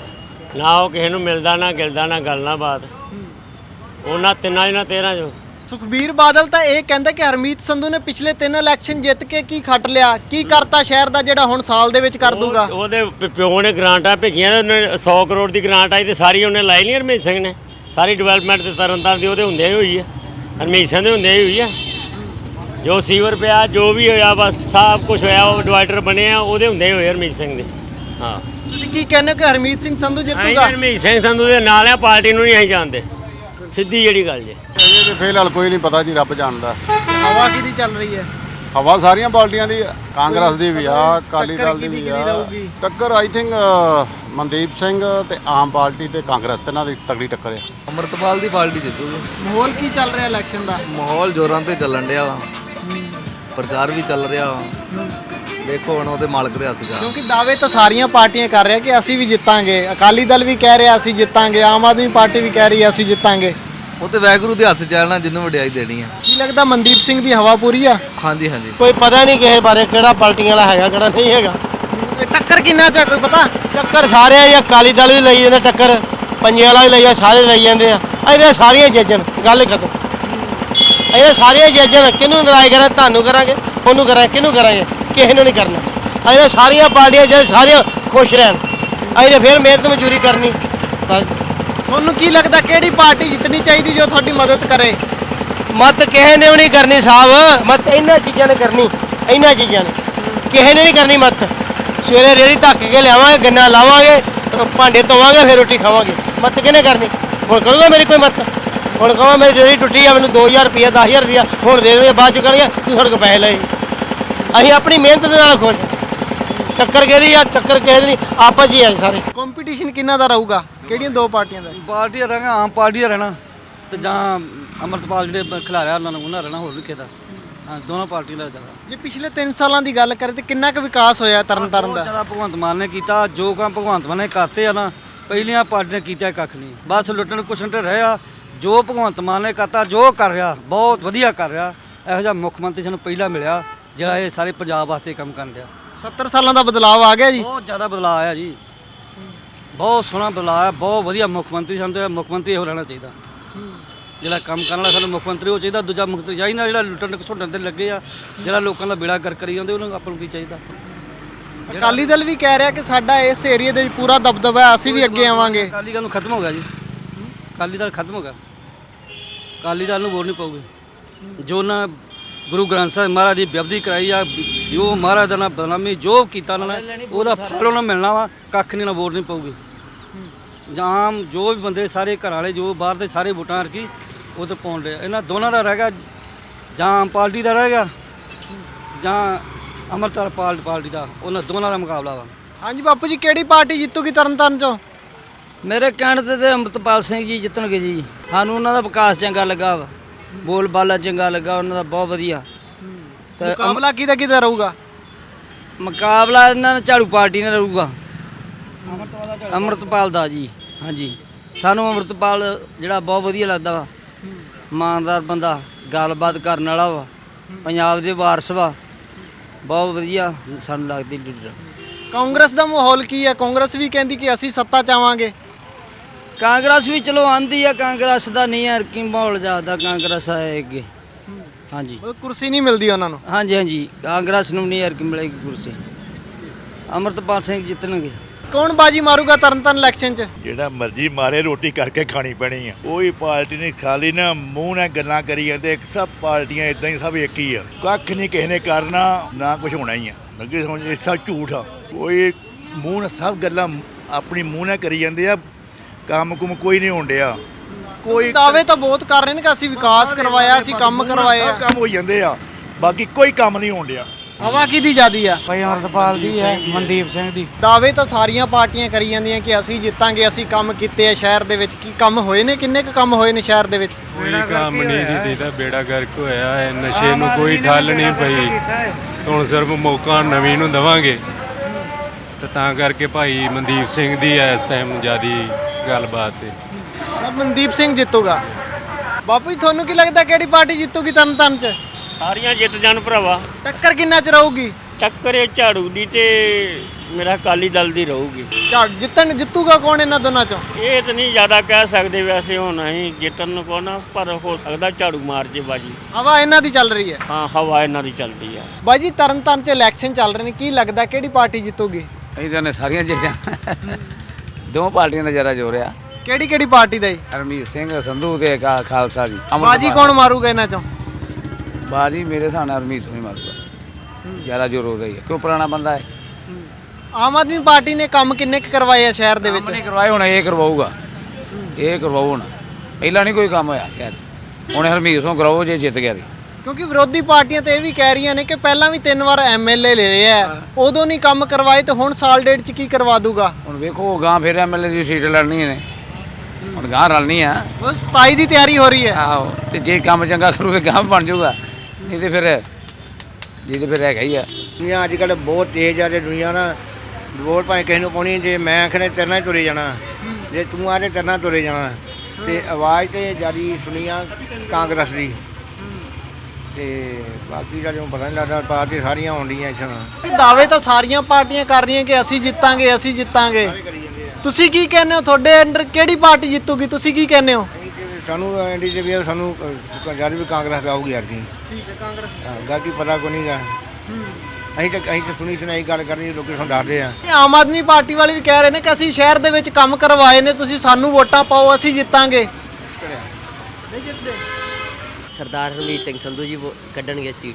Speaker 2: ਨਾ, ਉਹ ਕਿਸੇ ਨੂੰ ਮਿਲਦਾ ਨਾ ਗਿਲਦਾ ਨਾ ਗੱਲ ਨਾ ਬਾਤ। ਉਹਨਾਂ ਤਿੰਨਾਂ ਜਾਂ 13 ਚੋਂ
Speaker 3: ਸੁਖਬੀਰ ਬਾਦਲ ਤਾਂ ਇਹ ਕਹਿੰਦਾ ਕਿ ਹਰਮੀਤ ਸੰਧੂ ਨੇ ਪਿਛਲੇ 3 ਇਲੈਕਸ਼ਨ ਜਿੱਤ ਕੇ ਕੀ ਖੱਟ ਲਿਆ, ਕੀ ਕਰਤਾ ਸ਼ਹਿਰ ਦਾ ਜਿਹੜਾ ਹੁਣ ਸਾਲ ਦੇ ਵਿੱਚ ਕਰ ਦੂਗਾ।
Speaker 2: ਉਹਦੇ ਪਿਓ ਨੇ ਗ੍ਰਾਂਟਾਂ ਭੇਜੀਆਂ ਤੇ ਉਹਨੇ 100 ਕਰੋੜ ਦੀ ਗ੍ਰਾਂਟ ਆਈ ਤੇ ਸਾਰੀ ਉਹਨੇ ਲਾਈ ਨਹੀਂ ਹਰਮੀਤ ਸਿੰਘ ਨੇ। ਸਾਰੀ ਡਿਵੈਲਪਮੈਂਟ ਤੇ ਤਰਨਤਾਰਨ ਦੀ ਉਹਦੇ ਹੁੰਦਿਆਂ ਹੀ ਹੋਈ ਹੈ, ਹਰਮੀਤ ਸਿੰਘ ਦੇ ਹੁੰਦਿਆਂ ਹੀ ਹੋਈ ਹੈ। ਜੋ ਸੀਵਰ ਪਿਆ ਜੋ ਵੀ ਹੋਇਆ ਬਸ ਸਭ ਕੁਝ ਹੋਇਆ, ਉਹ ਡਿਵਾਈਡਰ ਬਣੇ ਆ ਉਹਦੇ ਹੁੰਦੇ ਹੀ ਹੋਏ ਹਰਮੀਤ ਸਿੰਘ ਦੇ। ਹਾਂ
Speaker 3: ਤੁਸੀਂ ਕੀ ਕਹਿੰਦੇ ਹੋ ਕਿ ਹਰਮੀਤ ਸਿੰਘ ਸੰਧੂ
Speaker 2: ਅਸੀਂ
Speaker 3: ਜਿੱਤੂਗਾ?
Speaker 2: ਹਰਮੀਤ ਸਿੰਘ ਸੰਧੂ ਦੇ ਨਾਲ ਆ, ਪਾਰਟੀ ਨੂੰ ਨਹੀਂ ਅਸੀਂ ਜਾਣਦੇ, ਸਿੱਧੀ ਜਿਹੜੀ ਗੱਲ ਜੇ।
Speaker 4: ਇਹ ਤੇ ਫਿਲਹਾਲ ਕੋਈ ਨਹੀਂ ਪਤਾ ਜੀ, ਰੱਬ ਜਾਣਦਾ।
Speaker 3: ਹਵਾ ਕਿਹਦੀ ਚੱਲ ਰਹੀ ਹੈ?
Speaker 4: ਹਵਾ ਸਾਰੀਆਂ ਪਾਰਟੀਆਂ ਦੀ, ਕਾਂਗਰਸ ਦੀ ਵੀ ਆ, ਅਕਾਲੀ ਦਲ ਦੀ ਵੀ
Speaker 3: ਕਿਹਦੀ
Speaker 4: ਆ।
Speaker 3: ਰਹੂਗੀ?
Speaker 4: ਟੱਕਰ ਆਈ ਥਿੰਕ ਮਨਦੀਪ ਸਿੰਘ ਤੇ ਆਮ ਪਾਰਟੀ ਤੇ ਕਾਂਗਰਸ ਤੇ ਇਹਨਾਂ ਦੀ ਤਗੜੀ ਟੱਕਰ ਆ।
Speaker 10: ਅੰਮ੍ਰਿਤਪਾਲ ਦੀ ਪਾਰਟੀ ਜਿੱਤੂਗੀ।
Speaker 3: ਮਾਹੌਲ ਕੀ ਚੱਲ ਰਿਹਾ ਇਲੈਕਸ਼ਨ ਦਾ?
Speaker 10: ਮਾਹੌਲ ਜ਼ੋਰਾਂ ਤੇ ਚੱਲਣ ਡਿਆ ਵਾ, ਪ੍ਰਚਾਰ ਵੀ ਚੱਲ ਰਿਹਾ ਵਾ। ਦੇਖੋ ਹੁਣ ਉਹਦੇ ਮਾਲਕ ਦੇ ਹੱਥ 'ਚ ਆ।
Speaker 3: ਕਿਉਂਕਿ ਦਾਅਵੇ ਤਾਂ ਸਾਰੀਆਂ ਪਾਰਟੀਆਂ ਕਰ ਰਹੀਆਂ ਕਿ ਅਸੀਂ ਵੀ ਜਿੱਤਾਂਗੇ, ਅਕਾਲੀ ਦਲ ਵੀ ਕਹਿ ਰਿਹਾ ਅਸੀਂ ਜਿੱਤਾਂਗੇ, ਆਮ ਆਦਮੀ ਪਾਰਟੀ ਵੀ ਕਹਿ ਰਹੀ ਹੈ ਅਸੀਂ ਜਿੱਤਾਂਗੇ।
Speaker 10: ਉਹ ਤੇ ਵਾਹਿਗੁਰੂ ਦੇ ਹੱਥ 'ਚ ਆ ਨਾ, ਜਿਹਨੂੰ ਵਡਿਆਈ ਦੇਣੀ ਆ।
Speaker 3: ਕੀ ਲੱਗਦਾ ਮਨਦੀਪ ਸਿੰਘ ਦੀ ਹਵਾ ਪੂਰੀ ਆ?
Speaker 10: ਹਾਂਜੀ ਹਾਂਜੀ।
Speaker 7: ਕੋਈ ਪਤਾ ਨਹੀਂ ਕਿਸੇ ਬਾਰੇ ਕਿਹੜਾ ਪਾਰਟੀਆਂ ਵਾਲਾ ਹੈਗਾ ਕਿਹੜਾ ਨਹੀਂ ਹੈਗਾ।
Speaker 3: ਇਹ ਟੱਕਰ ਕਿੰਨਾ ਚ ਆ, ਕੋਈ ਪਤਾ?
Speaker 7: ਟੱਕਰ ਸਾਰੇ ਆ, ਅਕਾਲੀ ਦਲ ਵੀ ਲਈ ਜਾਂਦਾ ਟੱਕਰ, ਪੰਜੇ ਵਾਲਾ ਵੀ ਲਈ ਜਾਂਦਾ, ਸਾਰੇ ਲਈ ਜਾਂਦੇ ਆ। ਇਹਦੇ ਸਾਰੀਆਂ ਜੱਜਨ ਗੱਲ ਖਤਮ। ਇਹ ਸਾਰੀਆਂ ਜੱਜਨ ਕਿਹਨੂੰ ਨਰਾਜ਼ ਕਰਾਂ, ਤੁਹਾਨੂੰ ਕਰਾਂਗੇ, ਉਹਨੂੰ ਕਰਾਂਗੇ, ਕਿਹਨੂੰ ਕਰਾਂਗੇ, ਕਿਸੇ ਨੂੰ ਨਹੀਂ ਕਰਨਾ। ਇਹ ਸਾਰੀਆਂ ਪਾਰਟੀਆਂ ਜੇ ਸਾਰੀਆਂ ਖੁਸ਼ ਰਹਿਣ, ਅਸੀਂ ਫਿਰ ਮਿਹਨਤ ਮਜ਼ਦੂਰੀ ਕਰਨੀ ਬਸ।
Speaker 3: ਤੁਹਾਨੂੰ ਕੀ ਲੱਗਦਾ ਕਿਹੜੀ ਪਾਰਟੀ ਜਿੱਤਣੀ ਚਾਹੀਦੀ ਜੋ ਤੁਹਾਡੀ ਮਦਦ ਕਰੇ?
Speaker 7: ਮਤ ਕਿਸੇ ਨੇ ਵੀ ਨਹੀਂ ਕਰਨੀ ਸਾਹਿਬ, ਮਤ ਇਹਨਾਂ ਚੀਜ਼ਾਂ ਨੇ ਕਰਨੀ, ਇਹਨਾਂ ਚੀਜ਼ਾਂ ਨੇ ਕਿਸੇ ਨੇ ਨਹੀਂ ਕਰਨੀ ਮਤ। ਸਵੇਰੇ ਰੇਹੜੀ ਧੱਕ ਕੇ ਲਿਆਵਾਂਗੇ, ਗੰਨਾ ਲਾਵਾਂਗੇ, ਭਾਂਡੇ ਧੋਵਾਂਗੇ, ਫਿਰ ਰੋਟੀ ਖਾਵਾਂਗੇ। ਮਤ ਕਿਹਨੇ ਕਰਨੀ? ਹੁਣ ਕਰੂਗਾ ਮੇਰੀ ਕੋਈ ਮਤ? ਹੁਣ ਕਹਾਂ ਮੇਰੀ ਰੇਹੜੀ ਟੁੱਟੀ ਆ, ਮੈਨੂੰ 2000 ਰੁਪਇਆ 10000 ਰੁਪਇਆ ਹੁਣ ਦੇ ਦੇਣਗੇ, ਬਾਅਦ ਚ ਕਰਨਗੇ ਤੂੰ ਸਾਡੇ ਕੋਲ ਪੈਸੇ ਲਏ। ਅਸੀਂ ਆਪਣੀ ਮਿਹਨਤ ਦੇ ਨਾਲ ਖੁਸ਼। ਟੱਕਰ ਕਿਹਦੀ ਆ? ਟੱਕਰ ਕਿਸੇ ਦੀ ਨਹੀਂ, ਆਪਸ ਹੀ ਆ ਸਾਰੇ।
Speaker 3: ਕੰਪੀਟੀਸ਼ਨ ਕਿੰਨਾ ਦਾ ਰਹੂਗਾ, ਕਿਹੜੀਆਂ ਦੋ ਪਾਰਟੀਆਂ ਦਾ?
Speaker 6: ਪਾਰਟੀ ਦਾ ਰਹਿਣਾ, ਆਮ ਪਾਰਟੀ ਦਾ ਰਹਿਣਾ ਤੇ ਜਾਂ ਅੰਮ੍ਰਿਤਪਾਲ ਜਿਹੜੇ ਖਿਲਾਰਿਆ ਉਹਨਾਂ ਨੂੰ ਉਹਨਾਂ ਰਹਿਣਾ, ਹੋਰ ਵੀ ਕਿਹਦਾ। ਹਾਂ, ਦੋਨੋਂ ਪਾਰਟੀਆਂ ਦਾ ਜ਼ਿਆਦਾ।
Speaker 3: ਜੇ ਪਿਛਲੇ 3 ਸਾਲਾਂ ਦੀ ਗੱਲ ਕਰੇ ਤੇ ਕਿੰਨਾ ਕੁ ਵਿਕਾਸ ਹੋਇਆ ਤਰਨਤਾਰਨ ਦਾ?
Speaker 6: ਜ਼ਿਆਦਾ ਭਗਵੰਤ ਮਾਨ ਨੇ ਕੀਤਾ, ਜੋ ਕੰਮ ਭਗਵੰਤ ਮਾਨ ਨੇ ਕਰਤੇ ਆ ਨਾ, ਪਹਿਲੀਆਂ ਪਾਰਟੀਆਂ ਨੇ ਕੀਤਾ ਕੱਖ ਨਹੀਂ, ਬਸ ਲੁੱਟਣ ਕੁਛਣ ਤੇ ਰਿਹਾ। ਜੋ ਭਗਵੰਤ ਮਾਨ ਨੇ ਕਰਤਾ, ਜੋ ਕਰ ਰਿਹਾ ਬਹੁਤ ਵਧੀਆ ਕਰ ਰਿਹਾ। ਇਹੋ ਜਿਹਾ ਮੁੱਖ ਮੰਤਰੀ ਸਾਨੂੰ ਪਹਿਲਾਂ ਮਿਲਿਆ ਜਿਹੜਾ ਇਹ ਸਾਰੇ ਪੰਜਾਬ ਵਾਸਤੇ ਕੰਮ ਕਰਨ ਰਿਹਾ।
Speaker 3: 70 ਸਾਲਾਂ ਦਾ ਬਦਲਾਅ ਆ ਗਿਆ ਜੀ।
Speaker 6: ਬਹੁਤ ਜ਼ਿਆਦਾ ਬਦਲਾਅ ਆਇਆ ਜੀ, ਬਹੁਤ ਸੋਹਣਾ ਬਦਲਾਅ ਆ, ਬਹੁਤ ਵਧੀਆ ਮੁੱਖ ਮੰਤਰੀ। ਸਾਨੂੰ ਤਾਂ ਮੁੱਖ ਮੰਤਰੀ ਇਹੋ ਰਹਿਣਾ ਚਾਹੀਦਾ, ਜਿਹੜਾ ਕੰਮ ਕਰਨ ਵਾਲਾ ਸਾਨੂੰ ਮੁੱਖ ਮੰਤਰੀ ਉਹ ਚਾਹੀਦਾ। ਦੂਜਾ ਮੁੱਖ ਮੰਤਰੀ ਚਾਹੀਦਾ ਜਿਹੜਾ ਲੁੱਟਣ ਘਸੁੱਟਣ ਤੇ ਲੱਗੇ ਆ, ਜਿਹੜਾ ਲੋਕਾਂ ਦਾ ਬੇੜਾ ਕਰ ਕਰੀ ਜਾਂਦੇ, ਉਹਨੂੰ ਆਪਾਂ ਨੂੰ ਕੀ ਚਾਹੀਦਾ।
Speaker 3: ਅਕਾਲੀ ਦਲ ਵੀ ਕਹਿ ਰਿਹਾ ਕਿ ਸਾਡਾ ਇਸ ਏਰੀਆ ਦੇ ਵਿੱਚ ਪੂਰਾ ਦਬਦਬਾ ਹੈ, ਅਸੀਂ ਵੀ ਅੱਗੇ ਆਵਾਂਗੇ।
Speaker 6: ਅਕਾਲੀ ਦਲ ਨੂੰ ਖਤਮ ਹੋ ਗਿਆ ਜੀ, ਅਕਾਲੀ ਦਲ ਖਤਮ ਹੋ ਗਿਆ। ਅਕਾਲੀ ਦਲ ਨੂੰ ਵੋਟ ਨਹੀਂ ਪਾਉਗੇ। ਜੋ ਨਾ ਗੁਰੂ ਗ੍ਰੰਥ ਸਾਹਿਬ ਮਹਾਰਾਜ ਦੀ ਬੇਅਦਬੀ ਕਰਾਈ ਆ, ਜੋ ਮਹਾਰਾਜ ਦਾ ਨਾ ਬਦਨਾਮੀ ਜੋ ਕੀਤਾ ਉਹਨਾਂ ਨੇ, ਉਹਦਾ ਫਲ ਉਹਨਾਂ ਨੂੰ ਮਿਲਣਾ ਵਾ। ਕੱਖ ਨਹੀਂ, ਨਾ ਵੋਟ ਨਹੀਂ ਪਾਉਗੇ। ਜਾਂ ਜੋ ਵੀ ਬੰਦੇ ਸਾਰੇ ਘਰ ਵਾਲੇ ਜੋ ਬਾਹਰ ਦੇ ਸਾਰੇ ਵੋਟਾਂ ਰਕੀ ਉਹ ਤਾਂ ਪਾਉਣ ਰਹੇ। ਇਹਨਾਂ ਦੋਨਾਂ ਦਾ ਰਹਿ ਗਿਆ, ਜਾਂ ਆਮ ਪਾਰਟੀ ਦਾ ਰਹਿ ਗਿਆ ਜਾਂ ਅੰਮ੍ਰਿਤਪਾਲ ਪਾਰਟੀ ਦਾ, ਉਹਨਾਂ ਦੋਨਾਂ ਦਾ ਮੁਕਾਬਲਾ ਵਾ।
Speaker 3: ਹਾਂਜੀ ਬਾਪੂ ਜੀ, ਕਿਹੜੀ ਪਾਰਟੀ ਜਿੱਤੂਗੀ ਤਰਨਤਾਰਨ ਚੋਂ?
Speaker 6: ਮੇਰੇ ਕਹਿਣ ਤੇ ਅੰਮ੍ਰਿਤਪਾਲ ਸਿੰਘ ਜੀ ਜਿੱਤਣਗੇ ਜੀ। ਸਾਨੂੰ ਉਹਨਾਂ ਦਾ ਵਿਕਾਸ ਚੰਗਾ ਲੱਗਾ ਵਾ, ਬੋਲ ਬਾਲਾ ਚੰਗਾ ਲੱਗਾ ਉਹਨਾਂ ਦਾ, ਬਹੁਤ ਵਧੀਆ। ਤੇ
Speaker 3: ਮੁਕਾਬਲਾ ਕਿਹਦਾ ਰਹੂਗਾ?
Speaker 6: ਮੁਕਾਬਲਾ ਇਹਨਾਂ ਦਾ ਝਾੜੂ ਪਾਰਟੀ ਨਾਲ ਰਹੂਗਾ, ਅੰਮ੍ਰਿਤਪਾਲ ਦਾ ਜੀ। ਹਾਂਜੀ, ਸਾਨੂੰ ਅੰਮ੍ਰਿਤਪਾਲ ਜਿਹੜਾ ਬਹੁਤ ਵਧੀਆ ਲੱਗਦਾ ਵਾ, ਇਮਾਨਦਾਰ ਬੰਦਾ, ਗੱਲਬਾਤ ਕਰਨ ਵਾਲਾ ਵਾ, ਪੰਜਾਬ ਦੇ ਵਾਰਸ ਵਾ, ਬਹੁਤ ਵਧੀਆ ਸਾਨੂੰ ਲੱਗਦੀ ਲੀਡਰ।
Speaker 3: ਕਾਂਗਰਸ ਦਾ ਮਾਹੌਲ ਕੀ ਹੈ? ਕਾਂਗਰਸ ਵੀ ਕਹਿੰਦੀ ਕਿ ਅਸੀਂ ਸੱਤਾ ਚ ਆਵਾਂਗੇ।
Speaker 6: ਕਾਂਗਰਸ ਵੀ ਚਲੋ ਆਂਦੀ ਆ, ਕਾਂਗਰਸ ਦਾ ਨਹੀਂ ਯਾਰ ਕੀ ਮਾਹੌਲ ਜ਼ਿਆਦਾ ਕਾਂਗਰਸ ਆਏ ਅੱਗੇ। ਹਾਂਜੀ,
Speaker 3: ਉਹ ਕੁਰਸੀ ਨਹੀਂ ਮਿਲਦੀ ਉਹਨਾਂ ਨੂੰ।
Speaker 6: ਹਾਂਜੀ ਹਾਂਜੀ, ਕਾਂਗਰਸ ਨੂੰ ਨਹੀਂ ਯਾਰ ਕੀ ਮਿਲੇਗੀ ਕੁਰਸੀ। ਅੰਮ੍ਰਿਤਪਾਲ ਸਿੰਘ ਜਿੱਤਣਗੇ।
Speaker 3: ਕੌਣ ਬਾਜੀ ਮਾਰੂਗਾ ਤਰਨਤਾਰਨ ਇਲੈਕਸ਼ਨ 'ਚ?
Speaker 9: ਜਿਹੜਾ ਮਰਜ਼ੀ ਮਾਰੇ, ਰੋਟੀ ਕਰਕੇ ਖਾਣੀ ਪੈਣੀ ਆ। ਕੋਈ ਪਾਰਟੀ ਨਹੀਂ, ਖਾਲੀ ਨਾ ਮੂੰਹ ਨਾਲ ਗੱਲਾਂ ਕਰੀ ਜਾਂਦੇ। ਸਭ ਪਾਰਟੀਆਂ ਇਦਾਂ ਹੀ, ਸਭ ਇੱਕ ਹੀ ਆ। ਕੱਖ ਨਹੀਂ ਕਿਸੇ ਨੇ ਕਰਨਾ, ਨਾ ਕੁਝ ਹੋਣਾ ਹੀ ਆ। ਅੱਗੇ ਸਮਝ ਇਹ ਸਭ ਝੂਠ ਆ। ਕੋਈ ਮੂੰਹ ਨਾਲ ਸਭ ਗੱਲਾਂ ਆਪਣੀ ਮੂੰਹ ਨਾਲ ਕਰੀ ਜਾਂਦੇ ਆ, ਕੰਮ ਕੁਮ ਕੋਈ ਨਹੀਂ ਹੋਣ ਡਿਆ। ਕੋਈ
Speaker 3: ਦਾਅਵੇ ਤਾਂ ਬਹੁਤ ਕਰ ਰਹੇ ਨੇ ਕਿ ਅਸੀਂ ਵਿਕਾਸ ਕਰਵਾਇਆ, ਅਸੀਂ ਕੰਮ ਕਰਵਾਏ ਆ।
Speaker 9: ਸਭ ਕੰਮ ਹੋ ਜਾਂਦੇ ਆ, ਬਾਕੀ ਕੋਈ ਕੰਮ ਨਹੀਂ ਹੋਣ ਡਿਆ।
Speaker 3: ਹਵਾ ਕਿਹਦੀ ਜ਼ਿਆਦੀ ਆ?
Speaker 5: ਭਾਈ ਅੰਮ੍ਰਿਤਪਾਲ ਦੀ ਹੈ, ਮਨਦੀਪ ਸਿੰਘ ਦੀ।
Speaker 3: ਦਾਅਵੇ ਤਾਂ ਸਾਰੀਆਂ ਪਾਰਟੀਆਂ ਕਰੀ ਜਾਂਦੀਆਂ ਕਿ ਅਸੀਂ ਜਿੱਤਾਂਗੇ, ਅਸੀਂ ਕੰਮ ਕੀਤੇ ਆ ਸ਼ਹਿਰ ਦੇ ਵਿੱਚ। ਕੀ ਕੰਮ ਹੋਏ ਨੇ? ਕਿੰਨੇ ਕੁ ਕੰਮ ਹੋਏ ਨੇ ਸ਼ਹਿਰ ਦੇ ਵਿੱਚ?
Speaker 11: ਕੋਈ ਕੰਮ ਨਹੀਂ ਜੀ ਦੇਦਾ, ਬੇੜਾ ਗਰਕ ਹੋਇਆ ਹੈ। ਨਸ਼ੇ ਨੂੰ ਕੋਈ ਠੱਲ ਨਹੀਂ ਪਈ। ਹੁਣ ਸਿਰਫ ਮੌਕਾ ਨਵੀਂ ਨੂੰ ਦੇਵਾਂਗੇ, ਤੇ ਤਾਂ ਕਰਕੇ ਭਾਈ ਮਨਦੀਪ ਸਿੰਘ ਦੀ ਇਸ ਟਾਈਮ ਜ਼ਿਆਦੀ ਗੱਲਬਾਤ ਹੈ।
Speaker 3: ਮਨਦੀਪ ਸਿੰਘ ਜਿੱਤੂਗਾ। ਬਾਪੂ ਜੀ, ਤੁਹਾਨੂੰ ਕੀ ਲੱਗਦਾ ਕਿਹੜੀ ਪਾਰਟੀ ਜਿੱਤੂਗੀ ਤਰਨਤਾਰਨ 'ਚ?
Speaker 2: ਸਾਰੀਆਂ ਜਿੱਤ ਜਾਣ ਭਰਾਵਾ।
Speaker 3: ਟੱਕਰ ਕਿੰਨਾ ਚ ਰਹੂਗੀ?
Speaker 2: ਟੱਕਰ ਇਹ ਝਾੜੂ ਦੀ ਤੇ ਮੇਰਾ ਅਕਾਲੀ ਦਲ ਦੀ ਰਹੂਗੀ।
Speaker 3: ਜਿੱਤੂਗਾ ਕੌਣ ਇਹਨਾਂ ਦੋਨਾਂ ਚੋਂ?
Speaker 2: ਇਹ ਤਾਂ ਨਹੀਂ ਜ਼ਿਆਦਾ ਕਹਿ ਸਕਦੇ, ਵੈਸੇ ਹੁਣ ਅਸੀਂ ਜਿੱਤਣ ਨੂੰ ਕੋ ਨਾ, ਪਰ ਹੋ ਸਕਦਾ ਝਾੜੂ ਮਾਰ ਜੇ ਬਾਜੀ।
Speaker 3: ਹਵਾ ਇਹਨਾਂ ਦੀ ਚੱਲ ਰਹੀ ਹੈ।
Speaker 2: ਹਾਂ, ਹਵਾ ਇਹਨਾਂ ਦੀ ਚੱਲਦੀ ਆ।
Speaker 3: ਬਾਜੀ ਤਰਨਤਾਰਨ 'ਚ ਇਲੈਕਸ਼ਨ ਚੱਲ ਰਹੇ ਨੇ, ਕੀ ਲੱਗਦਾ ਕਿਹੜੀ ਪਾਰਟੀ ਜਿੱਤੂਗੀ?
Speaker 10: ਇਹਦਾਂ ਨੇ ਸਾਰੀਆਂ ਚੀਜ਼ਾਂ ਦੋ ਪਾਰਟੀਆਂ ਦਾ ਜ਼ਿਆਦਾ ਜ਼ੋਰ ਆ।
Speaker 3: ਕਿਹੜੀ ਪਾਰਟੀ ਦਾ ਜੀ?
Speaker 10: ਹਰਮੀਤ ਸਿੰਘ ਸੰਧੂ ਤੇ ਖਾਲਸਾ ਜੀ।
Speaker 3: ਬਾਜੀ ਕੌਣ ਮਾਰੂਗਾ ਇਹਨਾਂ ਚੋਂ?
Speaker 10: ਬਾਜੀ ਮੇਰੇ ਹਿਸਾਬ ਨਾਲ ਹਰਮੀਤ ਸਿੰਘ ਹੀ ਮਾਰੂਗਾ, ਜ਼ਿਆਦਾ ਜ਼ੋਰ ਉਹਦਾ ਹੀ ਹੈ, ਕਿਉਂ ਪੁਰਾਣਾ ਬੰਦਾ ਹੈ।
Speaker 3: ਆਮ ਆਦਮੀ ਪਾਰਟੀ ਨੇ ਕੰਮ ਕਿੰਨੇ ਕੁ ਕਰਵਾਏ ਆ ਸ਼ਹਿਰ ਦੇ ਵਿੱਚ?
Speaker 10: ਨਹੀਂ ਕਰਵਾਏ, ਹੁਣ ਇਹ ਕਰਵਾਊਗਾ, ਇਹ ਕਰਵਾਊ ਹੁਣ। ਪਹਿਲਾਂ ਨਹੀਂ ਕੋਈ ਕੰਮ ਹੋਇਆ ਸ਼ਹਿਰ 'ਚ, ਹੁਣ ਹਰਮੀਤ ਸਿੰਘ ਕਰਾਓ ਜੇ ਜਿੱਤ ਗਿਆ ਤੇ।
Speaker 3: ਕਿਉਂਕਿ ਵਿਰੋਧੀ ਪਾਰਟੀਆਂ ਤੇ ਇਹ ਵੀ ਕਹਿ ਰਹੀਆਂ ਨੇ ਕਿ ਪਹਿਲਾਂ ਵੀ 3 ਵਾਰ ਐਮਐਲਏ ਲੈ ਰਿਹਾ ਹੈ, ਉਦੋਂ ਨਹੀਂ ਕੰਮ ਕਰਵਾਏ ਤੇ ਹੁਣ ਸਾਲ ਡੇਢ 'ਚ ਕੀ ਕਰਵਾ ਦੂਗਾ?
Speaker 10: ਹੁਣ ਵੇਖੋ ਗਾਂ ਫਿਰ ਐਮਐਲਏ ਦੀ ਸੀਟ ਲੜਨੀ ਨੇ, ਹੁਣ ਗਾਂ ਰਲਣੀ ਆ।
Speaker 3: ਬਸ 27 ਦੀ ਤਿਆਰੀ ਹੋ ਰਹੀ ਹੈ।
Speaker 10: ਆਹੋ, ਤੇ ਜੇ ਕੰਮ ਚੰਗਾ ਕਰੂ ਤੇ ਗਾਂ ਬਣ ਜਾਊਗਾ, ਨਹੀਂ ਤੇ ਫਿਰ ਜੀ ਤੇ ਫਿਰ ਹੈਗਾ ਹੀ ਆ।
Speaker 7: ਦੁਨੀਆ ਅੱਜ ਕੱਲ੍ਹ ਬਹੁਤ ਤੇਜ਼ ਆ ਤੇ ਦੁਨੀਆ ਨਾ ਵੋਟ ਭਾਵੇਂ ਕਿਸੇ ਨੂੰ ਪਾਉਣੀ, ਜੇ ਮੈਂ ਆਖਣੇ ਤੇਰੇ ਨਾਲ ਹੀ ਤੁਰੇ ਜਾਣਾ, ਜੇ ਤੂੰ ਆਖੇ ਤੇਰੇ ਨਾਲ ਤੁਰੇ ਜਾਣਾ, ਤੇ ਆਵਾਜ਼ ਤੇ ਜਿਆਦੀ ਸੁਣੀ ਆ ਕਾਂਗਰਸ ਦੀ। ਤੇ ਬਾਕੀ ਦਾ ਜਦੋਂ ਪਤਾ ਨਹੀਂ ਲੱਗਦਾ, ਪਾਰਟੀ ਸਾਰੀਆਂ ਆਉਂਦੀਆਂ ਇਸ
Speaker 3: ਦਾਅਵੇ ਤਾਂ ਸਾਰੀਆਂ ਪਾਰਟੀਆਂ ਕਰ ਰਹੀਆਂ ਕਿ ਅਸੀਂ ਜਿੱਤਾਂਗੇ, ਅਸੀਂ ਜਿੱਤਾਂਗੇ। ਤੁਸੀਂ ਕੀ ਕਹਿੰਦੇ ਹੋ? ਤੁਹਾਡੇ ਅੰਡਰ ਕਿਹੜੀ ਪਾਰਟੀ ਜਿੱਤੂਗੀ? ਤੁਸੀਂ ਕੀ ਕਹਿੰਦੇ ਹੋ?
Speaker 7: ਸਾਨੂੰ ਐਂਡੀ ਜੇ ਵੀ ਸਾਨੂੰ ਜਦ ਵੀ ਕਾਂਗਰਸ ਆਊਗੀ ਯਾਰ ਕੀ।
Speaker 3: ਠੀਕ ਹੈ, ਕਾਂਗਰਸ।
Speaker 7: ਬਾਕੀ ਪਤਾ ਕੋਈ ਨਹੀਂਗਾ। ਅਸੀਂ ਤਾਂ ਸੁਣੀ ਸੁਣਾਈ ਗੱਲ ਕਰਨੀ, ਲੋਕੀ ਸਾਨੂੰ ਦੱਸਦੇ ਆ।
Speaker 3: ਆਮ ਆਦਮੀ ਪਾਰਟੀ ਵਾਲੇ ਵੀ ਕਹਿ ਰਹੇ ਨੇ ਕਿ ਅਸੀਂ ਸ਼ਹਿਰ ਦੇ ਵਿੱਚ ਕੰਮ ਕਰਵਾਏ ਨੇ, ਤੁਸੀਂ ਸਾਨੂੰ ਵੋਟਾਂ ਪਾਓ, ਅਸੀਂ ਜਿੱਤਾਂਗੇ। ਨਹੀਂ ਜਿੱਤਦੇ।
Speaker 12: ਸਰਦਾਰ ਹਰਮੀਤ ਸਿੰਘ ਸੰਧੂ ਜੀ ਕੱਢਣਗੇ ਸੀਟ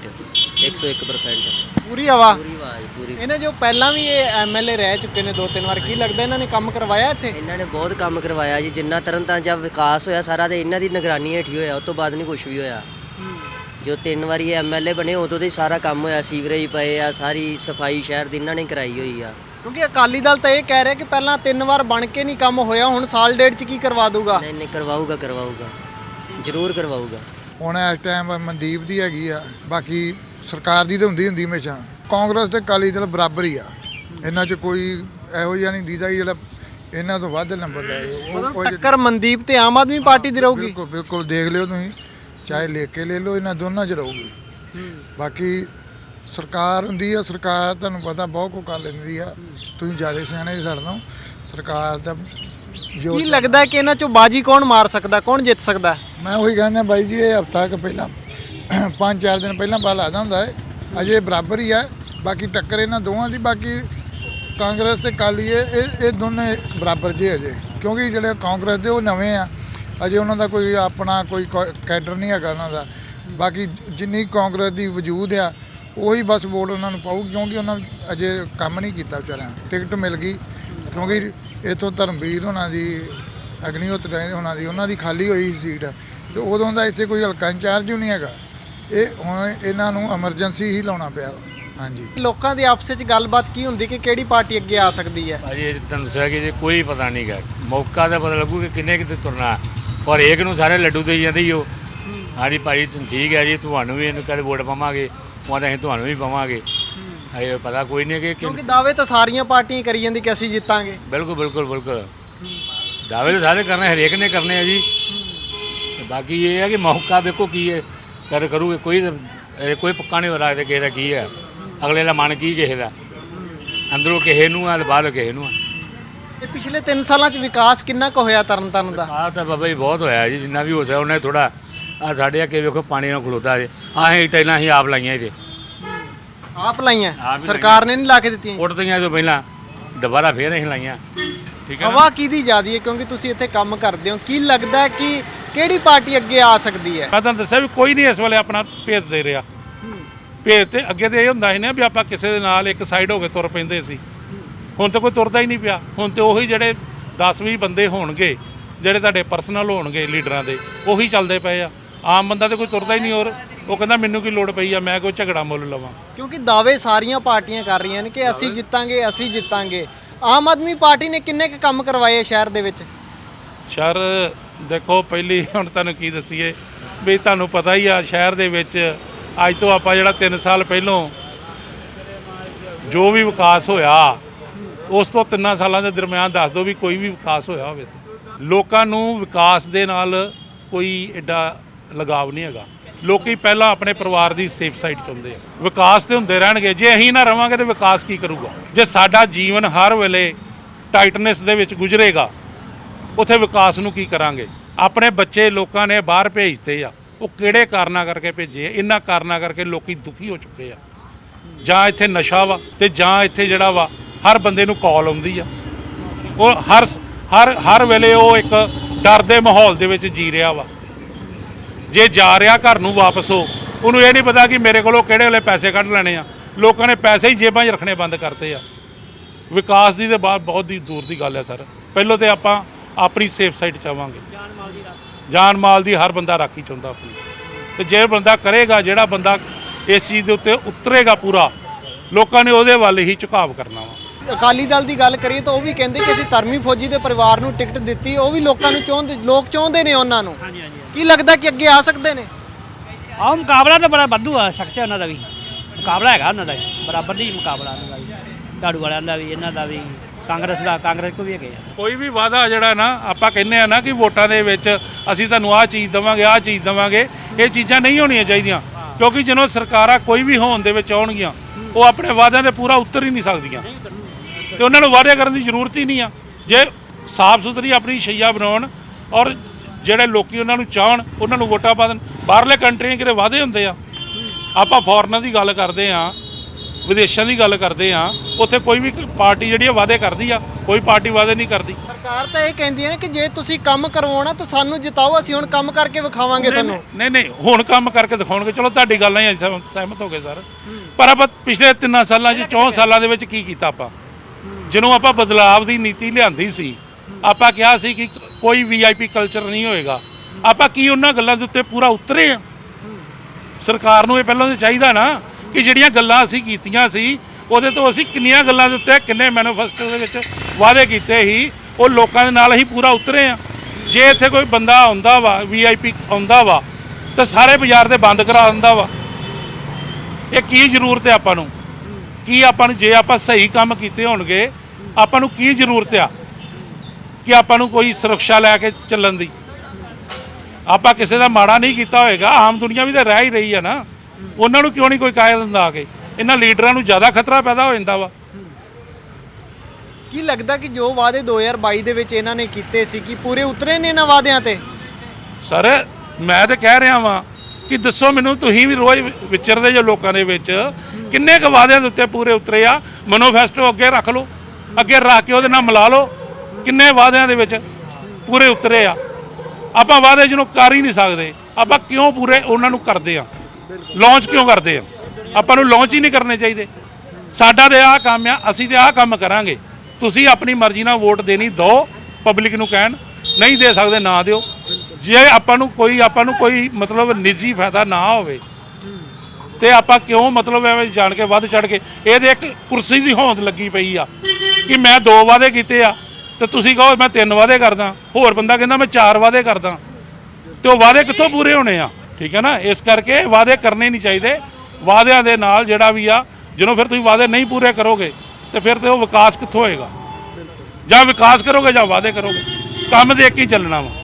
Speaker 12: 101%।
Speaker 3: ਪੂਰੀ ਹਵਾ?
Speaker 12: ਪੂਰੀ ਆਵਾਜ਼ ਪੂਰੀ।
Speaker 3: ਇਹਨੇ ਜੋ ਪਹਿਲਾਂ ਵੀ ਇਹ ਐਮਐਲਏ ਰਹਿ ਚੁੱਕੇ ਨੇ 2-3 ਵਾਰ, ਕੀ ਲੱਗਦਾ ਇਹਨਾਂ ਨੇ ਕੰਮ ਕਰਵਾਇਆ ਇੱਥੇ?
Speaker 12: ਇਹਨਾਂ ਨੇ ਬਹੁਤ ਕੰਮ ਕਰਵਾਇਆ ਜੀ, ਜਿੰਨਾ ਤਰਨਤਾਰਨ ਦਾ ਵਿਕਾਸ ਹੋਇਆ ਸਾਰਾ ਤੇ ਇਹਨਾਂ ਦੀ ਨਿਗਰਾਨੀ ਹੇਠ ਹੀ ਹੋਇਆ, ਉਸ ਤੋਂ ਬਾਅਦ ਨਹੀਂ ਕੁਝ ਵੀ ਹੋਇਆ। ਜੋ 3 ਵਾਰੀ ਇਹ ਐਮਐਲਏ ਬਣੇ ਉਦੋਂ ਦੇ ਸਾਰਾ ਕੰਮ ਹੋਇਆ, ਸੀਵਰੇਜ ਪਏ ਆ, ਸਾਰੀ ਸਫਾਈ ਸ਼ਹਿਰ ਦੀ ਇਹਨਾਂ ਨੇ ਕਰਾਈ ਹੋਈ ਆ।
Speaker 3: ਕਿਉਂਕਿ ਅਕਾਲੀ ਦਲ ਤਾਂ ਇਹ ਕਹਿ ਰਿਹਾ ਕਿ ਪਹਿਲਾਂ 3 ਵਾਰ ਬਣ ਕੇ ਨਹੀਂ ਕੰਮ ਹੋਇਆ, ਹੁਣ ਸਾਲ ਡੇਢ 'ਚ ਕੀ ਕਰਵਾ ਦੂਗਾ?
Speaker 12: ਨਹੀਂ ਕਰਵਾਊਗਾ ਜ਼ਰੂਰ ਕਰਵਾਊਗਾ।
Speaker 13: ਹੁਣ ਇਸ ਟਾਈਮ ਮਨਦੀਪ ਦੀ ਹੈਗੀ ਆ, ਬਾਕੀ ਸਰਕਾਰ ਦੀ ਤਾਂ ਹੁੰਦੀ ਹਮੇਸ਼ਾ। ਕਾਂਗਰਸ ਤੇ ਅਕਾਲੀ ਦਲ ਬਰਾਬਰ ਹੀ ਆ, ਇਹਨਾਂ 'ਚ ਕੋਈ ਇਹੋ ਜਿਹਾ ਨਹੀਂ ਦੀਦਾ ਜਿਹੜਾ ਇਹਨਾਂ ਤੋਂ ਵੱਧ ਨੰਬਰ ਲੈ ਜਾਏ।
Speaker 3: ਟੱਕਰ ਮਨਦੀਪ ਤੇ ਆਮ ਆਦਮੀ ਪਾਰਟੀ ਦੀ ਰਹੂਗੀ।
Speaker 13: ਬਿਲਕੁਲ ਬਿਲਕੁਲ, ਦੇਖ ਲਿਓ ਤੁਸੀਂ, ਚਾਹੇ ਲਿਖ ਕੇ ਲੈ ਲਓ, ਇਹਨਾਂ ਦੋਨਾਂ 'ਚ ਰਹੂਗੀ। ਬਾਕੀ ਸਰਕਾਰ ਹੁੰਦੀ ਆ, ਸਰਕਾਰ ਤੁਹਾਨੂੰ ਪਤਾ ਬਹੁਤ ਕੁਝ ਕਰ ਲੈਂਦੀ ਆ, ਤੁਸੀਂ ਜ਼ਿਆਦਾ ਸਿਆਣੇ ਜੀ ਸਾਡੇ ਨਾਲੋਂ। ਸਰਕਾਰ ਦਾ
Speaker 3: ਕੀ ਲੱਗਦਾ ਕਿ ਇਹਨਾਂ 'ਚੋਂ ਬਾਜੀ ਕੌਣ ਮਾਰ ਸਕਦਾ, ਕੌਣ ਜਿੱਤ ਸਕਦਾ?
Speaker 13: ਮੈਂ ਉਹੀ ਕਹਿੰਦਾ ਬਾਈ ਜੀ, ਇਹ ਹਫ਼ਤਾ ਕੁ ਪਹਿਲਾਂ 5-4 ਦਿਨ ਪਹਿਲਾਂ ਪਾ ਲੱਗਦਾ ਹੁੰਦਾ ਹੈ, ਅਜੇ ਬਰਾਬਰ ਹੀ ਹੈ। ਬਾਕੀ ਟੱਕਰ ਇਹਨਾਂ ਦੋਵਾਂ ਦੀ, ਬਾਕੀ ਕਾਂਗਰਸ ਤੇ ਅਕਾਲੀ ਇਹ ਦੋਨੇ ਬਰਾਬਰ ਜੇ ਅਜੇ, ਕਿਉਂਕਿ ਜਿਹੜੇ ਕਾਂਗਰਸ ਦੇ ਉਹ ਨਵੇਂ ਆ, ਅਜੇ ਉਹਨਾਂ ਦਾ ਕੋਈ ਆਪਣਾ ਕੋਈ ਕੈਡਰ ਨਹੀਂ ਹੈਗਾ ਉਹਨਾਂ ਦਾ। ਬਾਕੀ ਜਿੰਨੀ ਕਾਂਗਰਸ ਦੀ ਵਜੂਦ ਆ, ਉਹੀ ਬਸ ਵੋਟ ਉਹਨਾਂ ਨੂੰ ਪਾਊ, ਕਿਉਂਕਿ ਉਹਨਾਂ ਅਜੇ ਕੰਮ ਨਹੀਂ ਕੀਤਾ ਵਿਚਾਰਿਆਂ। ਟਿਕਟ ਮਿਲ ਗਈ, ਕਿਉਂਕਿ ਇੱਥੋਂ ਧਰਮਵੀਰ ਹੋਣਾ ਦੀ, ਅਗਨੀਹੋਤਰ ਹੋਣਾ ਦੀ, ਉਹਨਾਂ ਦੀ ਖਾਲੀ ਹੋਈ ਸੀਟ, ਤੇ ਉਦੋਂ ਦਾ ਇੱਥੇ ਕੋਈ ਹਲਕਾ ਇੰਚਾਰਜ ਹੀ ਨਹੀਂ ਹੈਗਾ। ਇਹ ਹੁਣ ਇਹਨਾਂ ਨੂੰ ਐਮਰਜੈਂਸੀ ਹੀ ਲਾਉਣਾ ਪਿਆ ਵਾ। ਹਾਂਜੀ,
Speaker 3: ਲੋਕਾਂ ਦੀ ਆਪਸ ਵਿੱਚ ਗੱਲਬਾਤ ਕੀ ਹੁੰਦੀ ਕਿ ਕਿਹੜੀ ਪਾਰਟੀ ਅੱਗੇ ਆ ਸਕਦੀ ਹੈ?
Speaker 2: ਭਾਜੀ ਤੁਹਾਨੂੰ ਦੱਸਿਆ ਕਿ ਜੇ ਕੋਈ ਪਤਾ ਨਹੀਂ ਗਾ, ਮੌਕਾ ਤਾਂ ਪਤਾ ਲੱਗੂ ਕਿ ਕਿੰਨੇ ਕਿਤੇ ਤੁਰਨਾ, ਪਰ ਇੱਕ ਨੂੰ ਸਾਰੇ ਲੱਡੂ ਦੇਈ ਜਾਂਦੇ ਹੀ ਉਹ। ਹਾਂਜੀ ਭਾਈ ਠੀਕ ਹੈ ਜੀ, ਤੁਹਾਨੂੰ ਵੀ ਇਹਨੂੰ ਕਦੇ ਵੋਟ ਪਾਵਾਂਗੇ, ਉਹਦਾ ਅਸੀਂ ਤੁਹਾਨੂੰ ਵੀ ਪਾਵਾਂਗੇ। ਇਹ ਪਤਾ ਕੋਈ ਨਹੀਂ ਕਿ
Speaker 3: ਕਿਉਂਕਿ ਦਾਅਵੇ ਤਾਂ ਸਾਰੀਆਂ ਪਾਰਟੀਆਂ ਕਰੀ ਜਾਂਦੀ ਕਿ ਅਸੀਂ ਜਿੱਤਾਂਗੇ।
Speaker 2: ਬਿਲਕੁਲ ਦਾਅਵੇ ਤਾਂ ਸਾਰੇ ਕਰਨੇ, ਹਰੇਕ ਨੇ ਕਰਨੇ ਆ ਜੀ। ਬਾਕੀ ਇਹ ਹੈ ਕਿ ਮੌਕਾ ਵੇਖੋ ਕੀ ਹੈ ਕਰੂਗੇ। ਕੋਈ ਪੱਕਾ ਨਹੀਂ ਪਤਾ ਕਿਸੇ ਦਾ ਕੀ ਹੈ, ਅਗਲੇ ਦਾ ਮਨ ਕੀ ਕਿਸੇ ਦਾ, ਅੰਦਰੋਂ ਕਿਸੇ ਨੂੰ ਆ, ਬਾਹਰੋਂ ਕਿਸੇ ਨੂੰ ਆ।
Speaker 3: ਇਹ ਪਿਛਲੇ 3 ਸਾਲਾਂ 'ਚ ਵਿਕਾਸ ਕਿੰਨਾ ਕੁ ਹੋਇਆ ਤਰਨਤਾਰਨ ਦਾ?
Speaker 2: ਆਹ ਤਾਂ ਬਾਬਾ ਜੀ ਬਹੁਤ ਹੋਇਆ ਜੀ, ਜਿੰਨਾ ਵੀ ਹੋ ਸਕਦਾ ਉਹਨੇ ਥੋੜਾ। ਆ ਸਾਡੇ ਅੱਗੇ ਵੇਖੋ ਪਾਣੀ ਨਾਲ ਖਲੋਤਾ ਜੇ, ਆਹ ਟਾਈਲਾਂ ਅਸੀਂ ਆਪ ਲਾਈਆਂ ਇਹਦੇ,
Speaker 3: ਆਪ ਲਾਈਆਂ, ਸਰਕਾਰ ਨੇ ਨਹੀਂ ਲਾ ਕੇ ਦਿੱਤੀਆਂ?
Speaker 2: ਉੱਠਦੀਆਂ ਤੋਂ ਪਹਿਲਾਂ ਦੁਬਾਰਾ ਫੇਰ ਅਸੀਂ ਲਾਈਆਂ। ਠੀਕ ਹੈ,
Speaker 3: ਹਵਾ ਕਿਹਦੀ ਜ਼ਿਆਦੀ ਹੈ? ਕਿਉਂਕਿ ਤੁਸੀਂ ਇੱਥੇ ਕੰਮ ਕਰਦੇ ਹੋ, ਕੀ ਲੱਗਦਾ ਕਿ ਕਿਹੜੀ ਪਾਰਟੀ ਅੱਗੇ ਆ ਸਕਦੀ ਹੈ?
Speaker 8: ਮੈਂ ਤੁਹਾਨੂੰ ਦੱਸਿਆ ਵੀ ਕੋਈ ਨਹੀਂ ਇਸ ਵੇਲੇ ਆਪਣਾ ਭੇਤ ਦੇ ਰਿਹਾ। ਭੇਤ ਤੇ ਅੱਗੇ ਤੇ ਇਹ ਹੁੰਦਾ ਸੀ ਨਾ ਵੀ ਆਪਾਂ ਕਿਸੇ ਦੇ ਨਾਲ ਇੱਕ ਸਾਈਡ ਹੋ ਕੇ ਤੁਰ ਪੈਂਦੇ ਸੀ, ਹੁਣ ਤਾਂ ਕੋਈ ਤੁਰਦਾ ਹੀ ਨਹੀਂ ਪਿਆ। ਹੁਣ ਤੇ ਉਹੀ ਜਿਹੜੇ 10-20 ਬੰਦੇ ਹੋਣਗੇ, ਜਿਹੜੇ ਤੁਹਾਡੇ ਪਰਸਨਲ ਹੋਣਗੇ ਲੀਡਰਾਂ ਦੇ, ਉਹੀ ਚੱਲਦੇ ਪਏ ਆ। ਆਮ ਬੰਦਾ ਤੇ ਕੋਈ ਤੁਰਦਾ ਹੀ ਨਹੀਂ। ਹੋਰ ਉਹ ਕਹਿੰਦਾ ਮੈਨੂੰ ਕੀ ਲੋੜ ਪਈ ਆ, ਮੈਂ ਕੋਈ ਝਗੜਾ ਮੁੱਲ ਲਵਾਂ।
Speaker 3: ਕਿਉਂਕਿ ਦਾਅਵੇ ਸਾਰੀਆਂ ਪਾਰਟੀਆਂ ਕਰ ਰਹੀਆਂ ਨੇ ਕਿ ਅਸੀਂ ਜਿੱਤਾਂਗੇ, ਅਸੀਂ ਜਿੱਤਾਂਗੇ। ਆਮ ਆਦਮੀ ਪਾਰਟੀ ਨੇ ਕਿੰਨੇ ਕੁ ਕੰਮ ਕਰਵਾਏ ਸ਼ਹਿਰ ਦੇ ਵਿੱਚ?
Speaker 8: ਸ਼ਹਿਰ ਦੇਖੋ, ਪਹਿਲੀ ਹੁਣ ਤੁਹਾਨੂੰ ਕੀ ਦੱਸੀਏ ਵੀ ਤੁਹਾਨੂੰ ਪਤਾ ਹੀ ਆ, ਸ਼ਹਿਰ ਦੇ ਵਿੱਚ ਅੱਜ ਤੋਂ ਆਪਾਂ ਜਿਹੜਾ 3 ਸਾਲ ਪਹਿਲੋਂ ਜੋ ਵੀ ਵਿਕਾਸ ਹੋਇਆ, ਉਸ ਤੋਂ 3 ਸਾਲਾਂ ਦੇ ਦਰਮਿਆਨ ਦੱਸ ਦਿਓ ਵੀ ਕੋਈ ਵੀ ਵਿਕਾਸ ਹੋਇਆ ਹੋਵੇ। ਲੋਕਾਂ ਨੂੰ ਵਿਕਾਸ ਦੇ ਨਾਲ ਕੋਈ ਐਡਾ ਲਗਾਵ ਨਹੀਂ ਹੈਗਾ। ਲੋਕੀ ਪਹਿਲਾਂ ਆਪਣੇ ਪਰਿਵਾਰ ਦੀ ਸੇਫ ਸਾਈਡ ਚਾਹੁੰਦੇ ਆ। ਵਿਕਾਸ ਤੇ ਹੁੰਦੇ ਰਹਿਣਗੇ, ਜੇ ਅਸੀਂ ਨਾ ਰਵਾਂਗੇ ਤੇ ਵਿਕਾਸ ਕੀ ਕਰੂਗਾ? ਜੇ ਸਾਡਾ ਜੀਵਨ ਹਰ ਵੇਲੇ ਟਾਈਟਨੈਸ ਦੇ ਵਿੱਚ ਗੁਜ਼ਰੇਗਾ, ਉੱਥੇ ਵਿਕਾਸ ਨੂੰ ਕੀ ਕਰਾਂਗੇ? ਆਪਣੇ ਬੱਚੇ ਲੋਕਾਂ ਨੇ ਬਾਹਰ ਭੇਜਤੇ ਆ, ਉਹ ਕਿਹੜੇ ਕਾਰਨਾਂ ਕਰਕੇ ਭੇਜੇ? ਇਹਨਾਂ ਕਾਰਨਾਂ ਕਰਕੇ ਲੋਕੀ ਦੁਖੀ ਹੋ ਚੁੱਕੇ ਆ। ਜਾਂ ਇੱਥੇ ਨਸ਼ਾ ਵਾ ਤੇ ਜਾਂ ਇੱਥੇ ਜਿਹੜਾ ਵਾ ਹਰ ਬੰਦੇ ਨੂੰ ਕਾਲ ਆਉਂਦੀ ਆ। ਉਹ ਹਰ ਵੇਲੇ ਉਹ ਇੱਕ ਡਰ ਦੇ ਮਾਹੌਲ ਦੇ ਵਿੱਚ ਜੀ ਰਿਹਾ ਵਾ। ਜੇ ਜਾ ਰਿਹਾ ਘਰ ਨੂੰ ਵਾਪਸ ਉਹਨੂੰ ਇਹ ਨਹੀਂ ਪਤਾ ਕਿ ਮੇਰੇ ਕੋਲੋਂ ਕਿਹੜੇ ਵੇਲੇ ਪੈਸੇ ਕੱਢ ਲੈਣੇ ਆ। ਲੋਕਾਂ ਨੇ ਪੈਸੇ ਹੀ ਜੇਬਾਂ 'ਚ ਰੱਖਣੇ ਬੰਦ ਕਰਤੇ ਆ। ਵਿਕਾਸ ਦੀ ਤੇ ਬਹੁਤ ਦੀ ਦੂਰ ਦੀ ਗੱਲ ਹੈ ਸਰ। ਪਹਿਲਾਂ ਤੇ ਆਪਾਂ ਆਪਣੀ ਸੇਫ ਸਾਈਡ ਚਾਹਾਂਗੇ, ਜਾਨ ਮਾਲ ਦੀ ਹਰ ਬੰਦਾ ਰਾਖੀ ਚਾਹੁੰਦਾ ਆਪਣੀ। ਤੇ ਜੇ ਬੰਦਾ ਕਰੇਗਾ, ਜਿਹੜਾ ਬੰਦਾ ਇਸ ਚੀਜ਼ ਦੇ ਉੱਤੇ ਉਤਰੇਗਾ ਪੂਰਾ, ਲੋਕਾਂ ਨੇ ਉਹਦੇ ਵੱਲ ਹੀ ਝੁਕਾਵ ਕਰਨਾ ਵਾ।
Speaker 3: ਅਕਾਲੀ ਦਲ ਦੀ ਗੱਲ ਕਰੀਏ ਤਾਂ ਉਹ ਵੀ ਕਹਿੰਦੇ ਕਿ ਅਸੀਂ ਧਰਮੀ ਫੌਜੀ ਦੇ ਪਰਿਵਾਰ ਨੂੰ ਟਿਕਟ ਦਿੱਤੀ, ਉਹ ਵੀ ਲੋਕਾਂ ਨੂੰ ਲੋਕ ਚਾਹੁੰਦੇ ਨੇ ਉਹਨਾਂ ਨੂੰ। ਕੀ ਲੱਗਦਾ ਕਿ ਅੱਗੇ ਆ ਸਕਦੇ ਨੇ?
Speaker 5: ਆਹ ਮੁਕਾਬਲਾ ਤਾਂ ਬੜਾ ਵਾਧੂ ਆ ਸਕਦਾ ਉਹਨਾਂ ਦਾ ਵੀ, ਮੁਕਾਬਲਾ ਹੈਗਾ ਉਹਨਾਂ ਦਾ ਬਰਾਬਰ ਦੀ ਮੁਕਾਬਲਾ ਉਹਨਾਂ ਦਾ ਵੀ, ਝਾੜੂ ਵਾਲਿਆਂ ਦਾ ਵੀ, ਇਹਨਾਂ ਦਾ ਵੀ, ਕਾਂਗਰਸ ਕੋ ਵੀ ਹੈਗੇ ਆ।
Speaker 8: ਕੋਈ ਵੀ ਵਾਅਦਾ ਜਿਹੜਾ ਨਾ ਆਪਾਂ ਕਹਿੰਦੇ ਆ ਨਾ ਕਿ ਵੋਟਾਂ ਦੇ ਵਿੱਚ ਅਸੀਂ ਤੁਹਾਨੂੰ ਆਹ ਚੀਜ਼ ਦੇਵਾਂਗੇ, ਆਹ ਚੀਜ਼ ਦੇਵਾਂਗੇ, ਇਹ ਚੀਜ਼ਾਂ ਨਹੀਂ ਹੋਣੀਆਂ ਚਾਹੀਦੀਆਂ। ਕਿਉਂਕਿ ਜਦੋਂ ਸਰਕਾਰਾਂ ਕੋਈ ਵੀ ਹੋਣ ਦੇ ਵਿੱਚ ਆਉਣਗੀਆਂ, ਉਹ ਆਪਣੇ ਵਾਅਦਿਆਂ 'ਤੇ ਪੂਰਾ ਉਤਰ ਹੀ ਨਹੀਂ ਸਕਦੀਆਂ ਤੇ ਉਹਨਾਂ ਨੂੰ ਵਾਅਦੇ ਕਰਨ ਦੀ ਜ਼ਰੂਰਤ ਹੀ ਨਹੀਂ ਆ। ਜੇ ਸਾਫ਼ ਸੁਥਰੀ ਆਪਣੀ ਸ਼ਈਆ ਬਣਾਉਣ ਔਰ ਜਿਹੜੇ ਲੋਕੀ ਉਹਨਾਂ ਨੂੰ ਚਾਹਣ, ਉਹਨਾਂ ਨੂੰ ਵੋਟਾਂ ਪਾ ਦੇਣ। ਬਾਹਰਲੇ ਕੰਟਰੀਆਂ ਕਿਤੇ ਵਾਅਦੇ ਹੁੰਦੇ ਆ। ਆਪਾਂ ਫੋਰਨਾਂ ਦੀ ਗੱਲ ਕਰਦੇ ਆ, ਵਿਦੇਸ਼ਾਂ ਦੀ ਗੱਲ ਕਰਦੇ ਆ, ਉੱਥੇ ਕੋਈ ਵੀ ਪਾਰਟੀ ਜਿਹੜੀ ਆ ਵਾਅਦੇ ਕਰਦੀ ਆ, ਕੋਈ ਪਾਰਟੀ ਵਾਅਦੇ ਨਹੀਂ ਕਰਦੀ।
Speaker 3: ਸਰਕਾਰ ਤਾਂ ਇਹ ਕਹਿੰਦੀ ਹੈ ਕਿ ਜੇ ਤੁਸੀਂ ਕੰਮ ਕਰਵਾਉਣਾ ਤਾਂ ਸਾਨੂੰ ਜਿਤਾਓ, ਅਸੀਂ ਹੁਣ ਕੰਮ ਕਰਕੇ ਵਿਖਾਵਾਂਗੇ ਤੁਹਾਨੂੰ।
Speaker 8: ਨਹੀਂ ਹੁਣ ਕੰਮ ਕਰਕੇ ਦਿਖਾਉਣਗੇ। ਚਲੋ ਤੁਹਾਡੀ ਗੱਲ ਨਾਲ ਅਸੀਂ ਸਹਿਮਤ ਹੋ ਗਏ ਸਰ, ਪਰ ਆਪਾਂ ਪਿਛਲੇ 3 ਸਾਲਾਂ 'ਚ 4 ਸਾਲਾਂ ਦੇ ਵਿੱਚ ਕੀ ਕੀਤਾ? ਆਪਾਂ ਜਦੋਂ ਆਪਾਂ ਬਦਲਾਵ ਦੀ ਨੀਤੀ ਲਿਆਂਦੀ ਸੀ, ਆਪਾਂ ਕਿਹਾ ਸੀ ਕਿ ਕੋਈ VIP ਕਲਚਰ ਨਹੀਂ ਹੋਏਗਾ। ਆਪਾਂ ਕੀ ਉਹਨਾਂ ਗੱਲਾਂ ਦੇ ਉੱਤੇ ਪੂਰਾ ਉਤਰੇ ਆ? ਸਰਕਾਰ ਨੂੰ ਇਹ ਪਹਿਲਾਂ ਤਾਂ ਚਾਹੀਦਾ ਨਾ ਕਿ ਜਿਹੜੀਆਂ ਗੱਲਾਂ ਅਸੀਂ ਕੀਤੀਆਂ ਸੀ, ਉਹਦੇ ਤੋਂ ਅਸੀਂ ਕਿੰਨੀਆਂ ਗੱਲਾਂ ਦੇ ਉੱਤੇ, ਕਿੰਨੇ ਮੈਨੀਫੈਸਟੋ ਦੇ ਵਿੱਚ ਵਾਅਦੇ ਕੀਤੇ ਸੀ, ਉਹ ਲੋਕਾਂ ਦੇ ਨਾਲ ਹੀ ਪੂਰਾ ਉਤਰੇ ਆ। ਜੇ ਇੱਥੇ ਕੋਈ ਬੰਦਾ ਆਉਂਦਾ ਵਾ, VIP ਆਉਂਦਾ ਵਾ, ਤਾਂ ਸਾਰੇ ਬਾਜ਼ਾਰ ਦੇ ਬੰਦ ਕਰਾ ਦਿੰਦਾ ਵਾ। ਇਹ ਕੀ ਜ਼ਰੂਰਤ ਹੈ ਆਪਾਂ ਨੂੰ? ਕੀ ਆਪਾਂ ਨੂੰ, ਜੇ ਆਪਾਂ ਸਹੀ ਕੰਮ ਕੀਤੇ ਹੋਣਗੇ, ਆਪਾਂ ਨੂੰ ਕੀ ਜ਼ਰੂਰਤ ਆ ਕਿ ਆਪਾਂ ਨੂੰ ਕੋਈ ਸੁਰੱਖਿਆ ਲੈ ਕੇ ਚੱਲਣ ਦੀ? ਆਪਾਂ ਕਿਸੇ ਦਾ ਮਾੜਾ ਨਹੀਂ ਕੀਤਾ ਹੋਏਗਾ। ਆਮ ਦੁਨੀਆ ਵੀ ਤਾਂ ਰਹਿ ਹੀ ਰਹੀ ਆ ਨਾ, ਉਹਨਾਂ ਨੂੰ ਕਿਉਂ ਨਹੀਂ ਕੋਈ ਕਾਇਲ ਦਿੰਦਾ ਆ ਕੇ? ਇਹਨਾਂ ਲੀਡਰਾਂ ਨੂੰ ਜ਼ਿਆਦਾ ਖਤਰਾ ਪੈਦਾ ਹੋ ਜਾਂਦਾ ਵਾ।
Speaker 3: ਕੀ ਲੱਗਦਾ ਕਿ ਜੋ ਵਾਅਦੇ 2022 ਦੇ ਵਿੱਚ ਇਹਨਾਂ ਨੇ ਕੀਤੇ ਸੀ, ਕਿ ਪੂਰੇ ਉਤਰੇ ਨੇ ਇਹਨਾਂ ਵਾਅਦਿਆਂ ਤੇ?
Speaker 8: ਸਰ ਮੈਂ ਤਾਂ ਕਹਿ ਰਿਹਾ ਵਾਂ ਕਿ ਦੱਸੋ ਮੈਨੂੰ, ਤੁਸੀਂ ਵੀ ਰੋਜ਼ ਵਿਚਰਦੇ ਜੋ ਲੋਕਾਂ ਦੇ ਵਿੱਚ, ਕਿੰਨੇ ਕੁ ਵਾਅਦਿਆਂ ਦੇ ਉੱਤੇ ਪੂਰੇ ਉਤਰੇ ਆ? ਮੈਨੀਫੈਸਟੋ ਅੱਗੇ ਰੱਖ ਲਓ, ਅੱਗੇ ਰੱਖ ਕੇ ਉਹਦੇ ਨਾਲ ਮਿਲਾ ਲਓ, ਕਿੰਨੇ ਵਾਅਦਿਆਂ ਦੇ ਵਿੱਚ ਪੂਰੇ ਉਤਰੇ ਆ। ਆਪਾਂ ਵਾਅਦੇ ਜਿਹਨੂੰ ਕਰ ਹੀ ਨਹੀਂ ਸਕਦੇ, ਆਪਾਂ ਕਿਉਂ ਪੂਰੇ ਉਹਨਾਂ ਨੂੰ ਕਰਦੇ ਆ? ਲਾਂਚ ਕਿਉਂ ਕਰਦੇ ਆ? ਆਪਾਂ ਨੂੰ ਲਾਂਚ ਹੀ ਨਹੀਂ ਕਰਨੇ ਚਾਹੀਦੇ। ਸਾਡਾ ਤੇ ਆਹ ਕੰਮ ਆ, ਅਸੀਂ ਤੇ ਆਹ ਕੰਮ ਕਰਾਂਗੇ। ਤੁਸੀਂ ਆਪਣੀ ਮਰਜ਼ੀ ਨਾਲ ਵੋਟ ਦੇਣੀ ਦਿਓ, ਪਬਲਿਕ ਨੂੰ ਕਹਿਣ, ਨਹੀਂ ਦੇ ਸਕਦੇ ਨਾ ਦਿਓ। ਜੇ ਆਪਾਂ ਨੂੰ ਕੋਈ ਮਤਲਬ ਨਿੱਜੀ ਫਾਇਦਾ ਨਾ ਹੋਵੇ ਤੇ ਆਪਾਂ ਕਿਉਂ ਮਤਲਬ ਐਵੇਂ ਜਾਣ ਕੇ ਵੱਧ ਚੜ ਕੇ, ਇਹਦੇ ਇੱਕ ਕੁਰਸੀ ਦੀ ਹੋਂਦ ਲੱਗੀ ਪਈ ਆ ਕਿ ਮੈਂ 2 ਵਾਅਦੇ ਕੀਤੇ ਆ ਤੇ ਤੁਸੀਂ ਕਹੋ ਮੈਂ 3 ਵਾਅਦੇ ਕਰਦਾ, ਹੋਰ ਬੰਦਾ ਕਹਿੰਦਾ ਮੈਂ 4 ਵਾਅਦੇ ਕਰਦਾ, ਤੇ ਉਹ ਵਾਅਦੇ ਕਿੱਥੋਂ ਪੂਰੇ ਹੋਣੇ ਆ? ਠੀਕ ਹੈ ਨਾ। ਇਸ ਕਰਕੇ ਵਾਅਦੇ ਕਰਨੇ ਨਹੀਂ ਚਾਹੀਦੇ। ਵਾਅਦਿਆਂ ਦੇ ਨਾਲ ਜਿਹੜਾ ਵੀ ਆ, ਜਦੋਂ ਫਿਰ ਤੁਸੀਂ ਵਾਅਦੇ ਨਹੀਂ ਪੂਰੇ ਕਰੋਗੇ ਤੇ ਫਿਰ ਤੇ ਉਹ ਵਿਕਾਸ ਕਿੱਥੋਂ ਹੋਏਗਾ? ਜਾਂ ਵਿਕਾਸ ਕਰੋਗੇ ਜਾਂ ਵਾਅਦੇ ਕਰੋਗੇ, ਕੰਮ ਦੇਖ ਕੇ ਹੀ ਚੱਲਣਾ ਵਾ।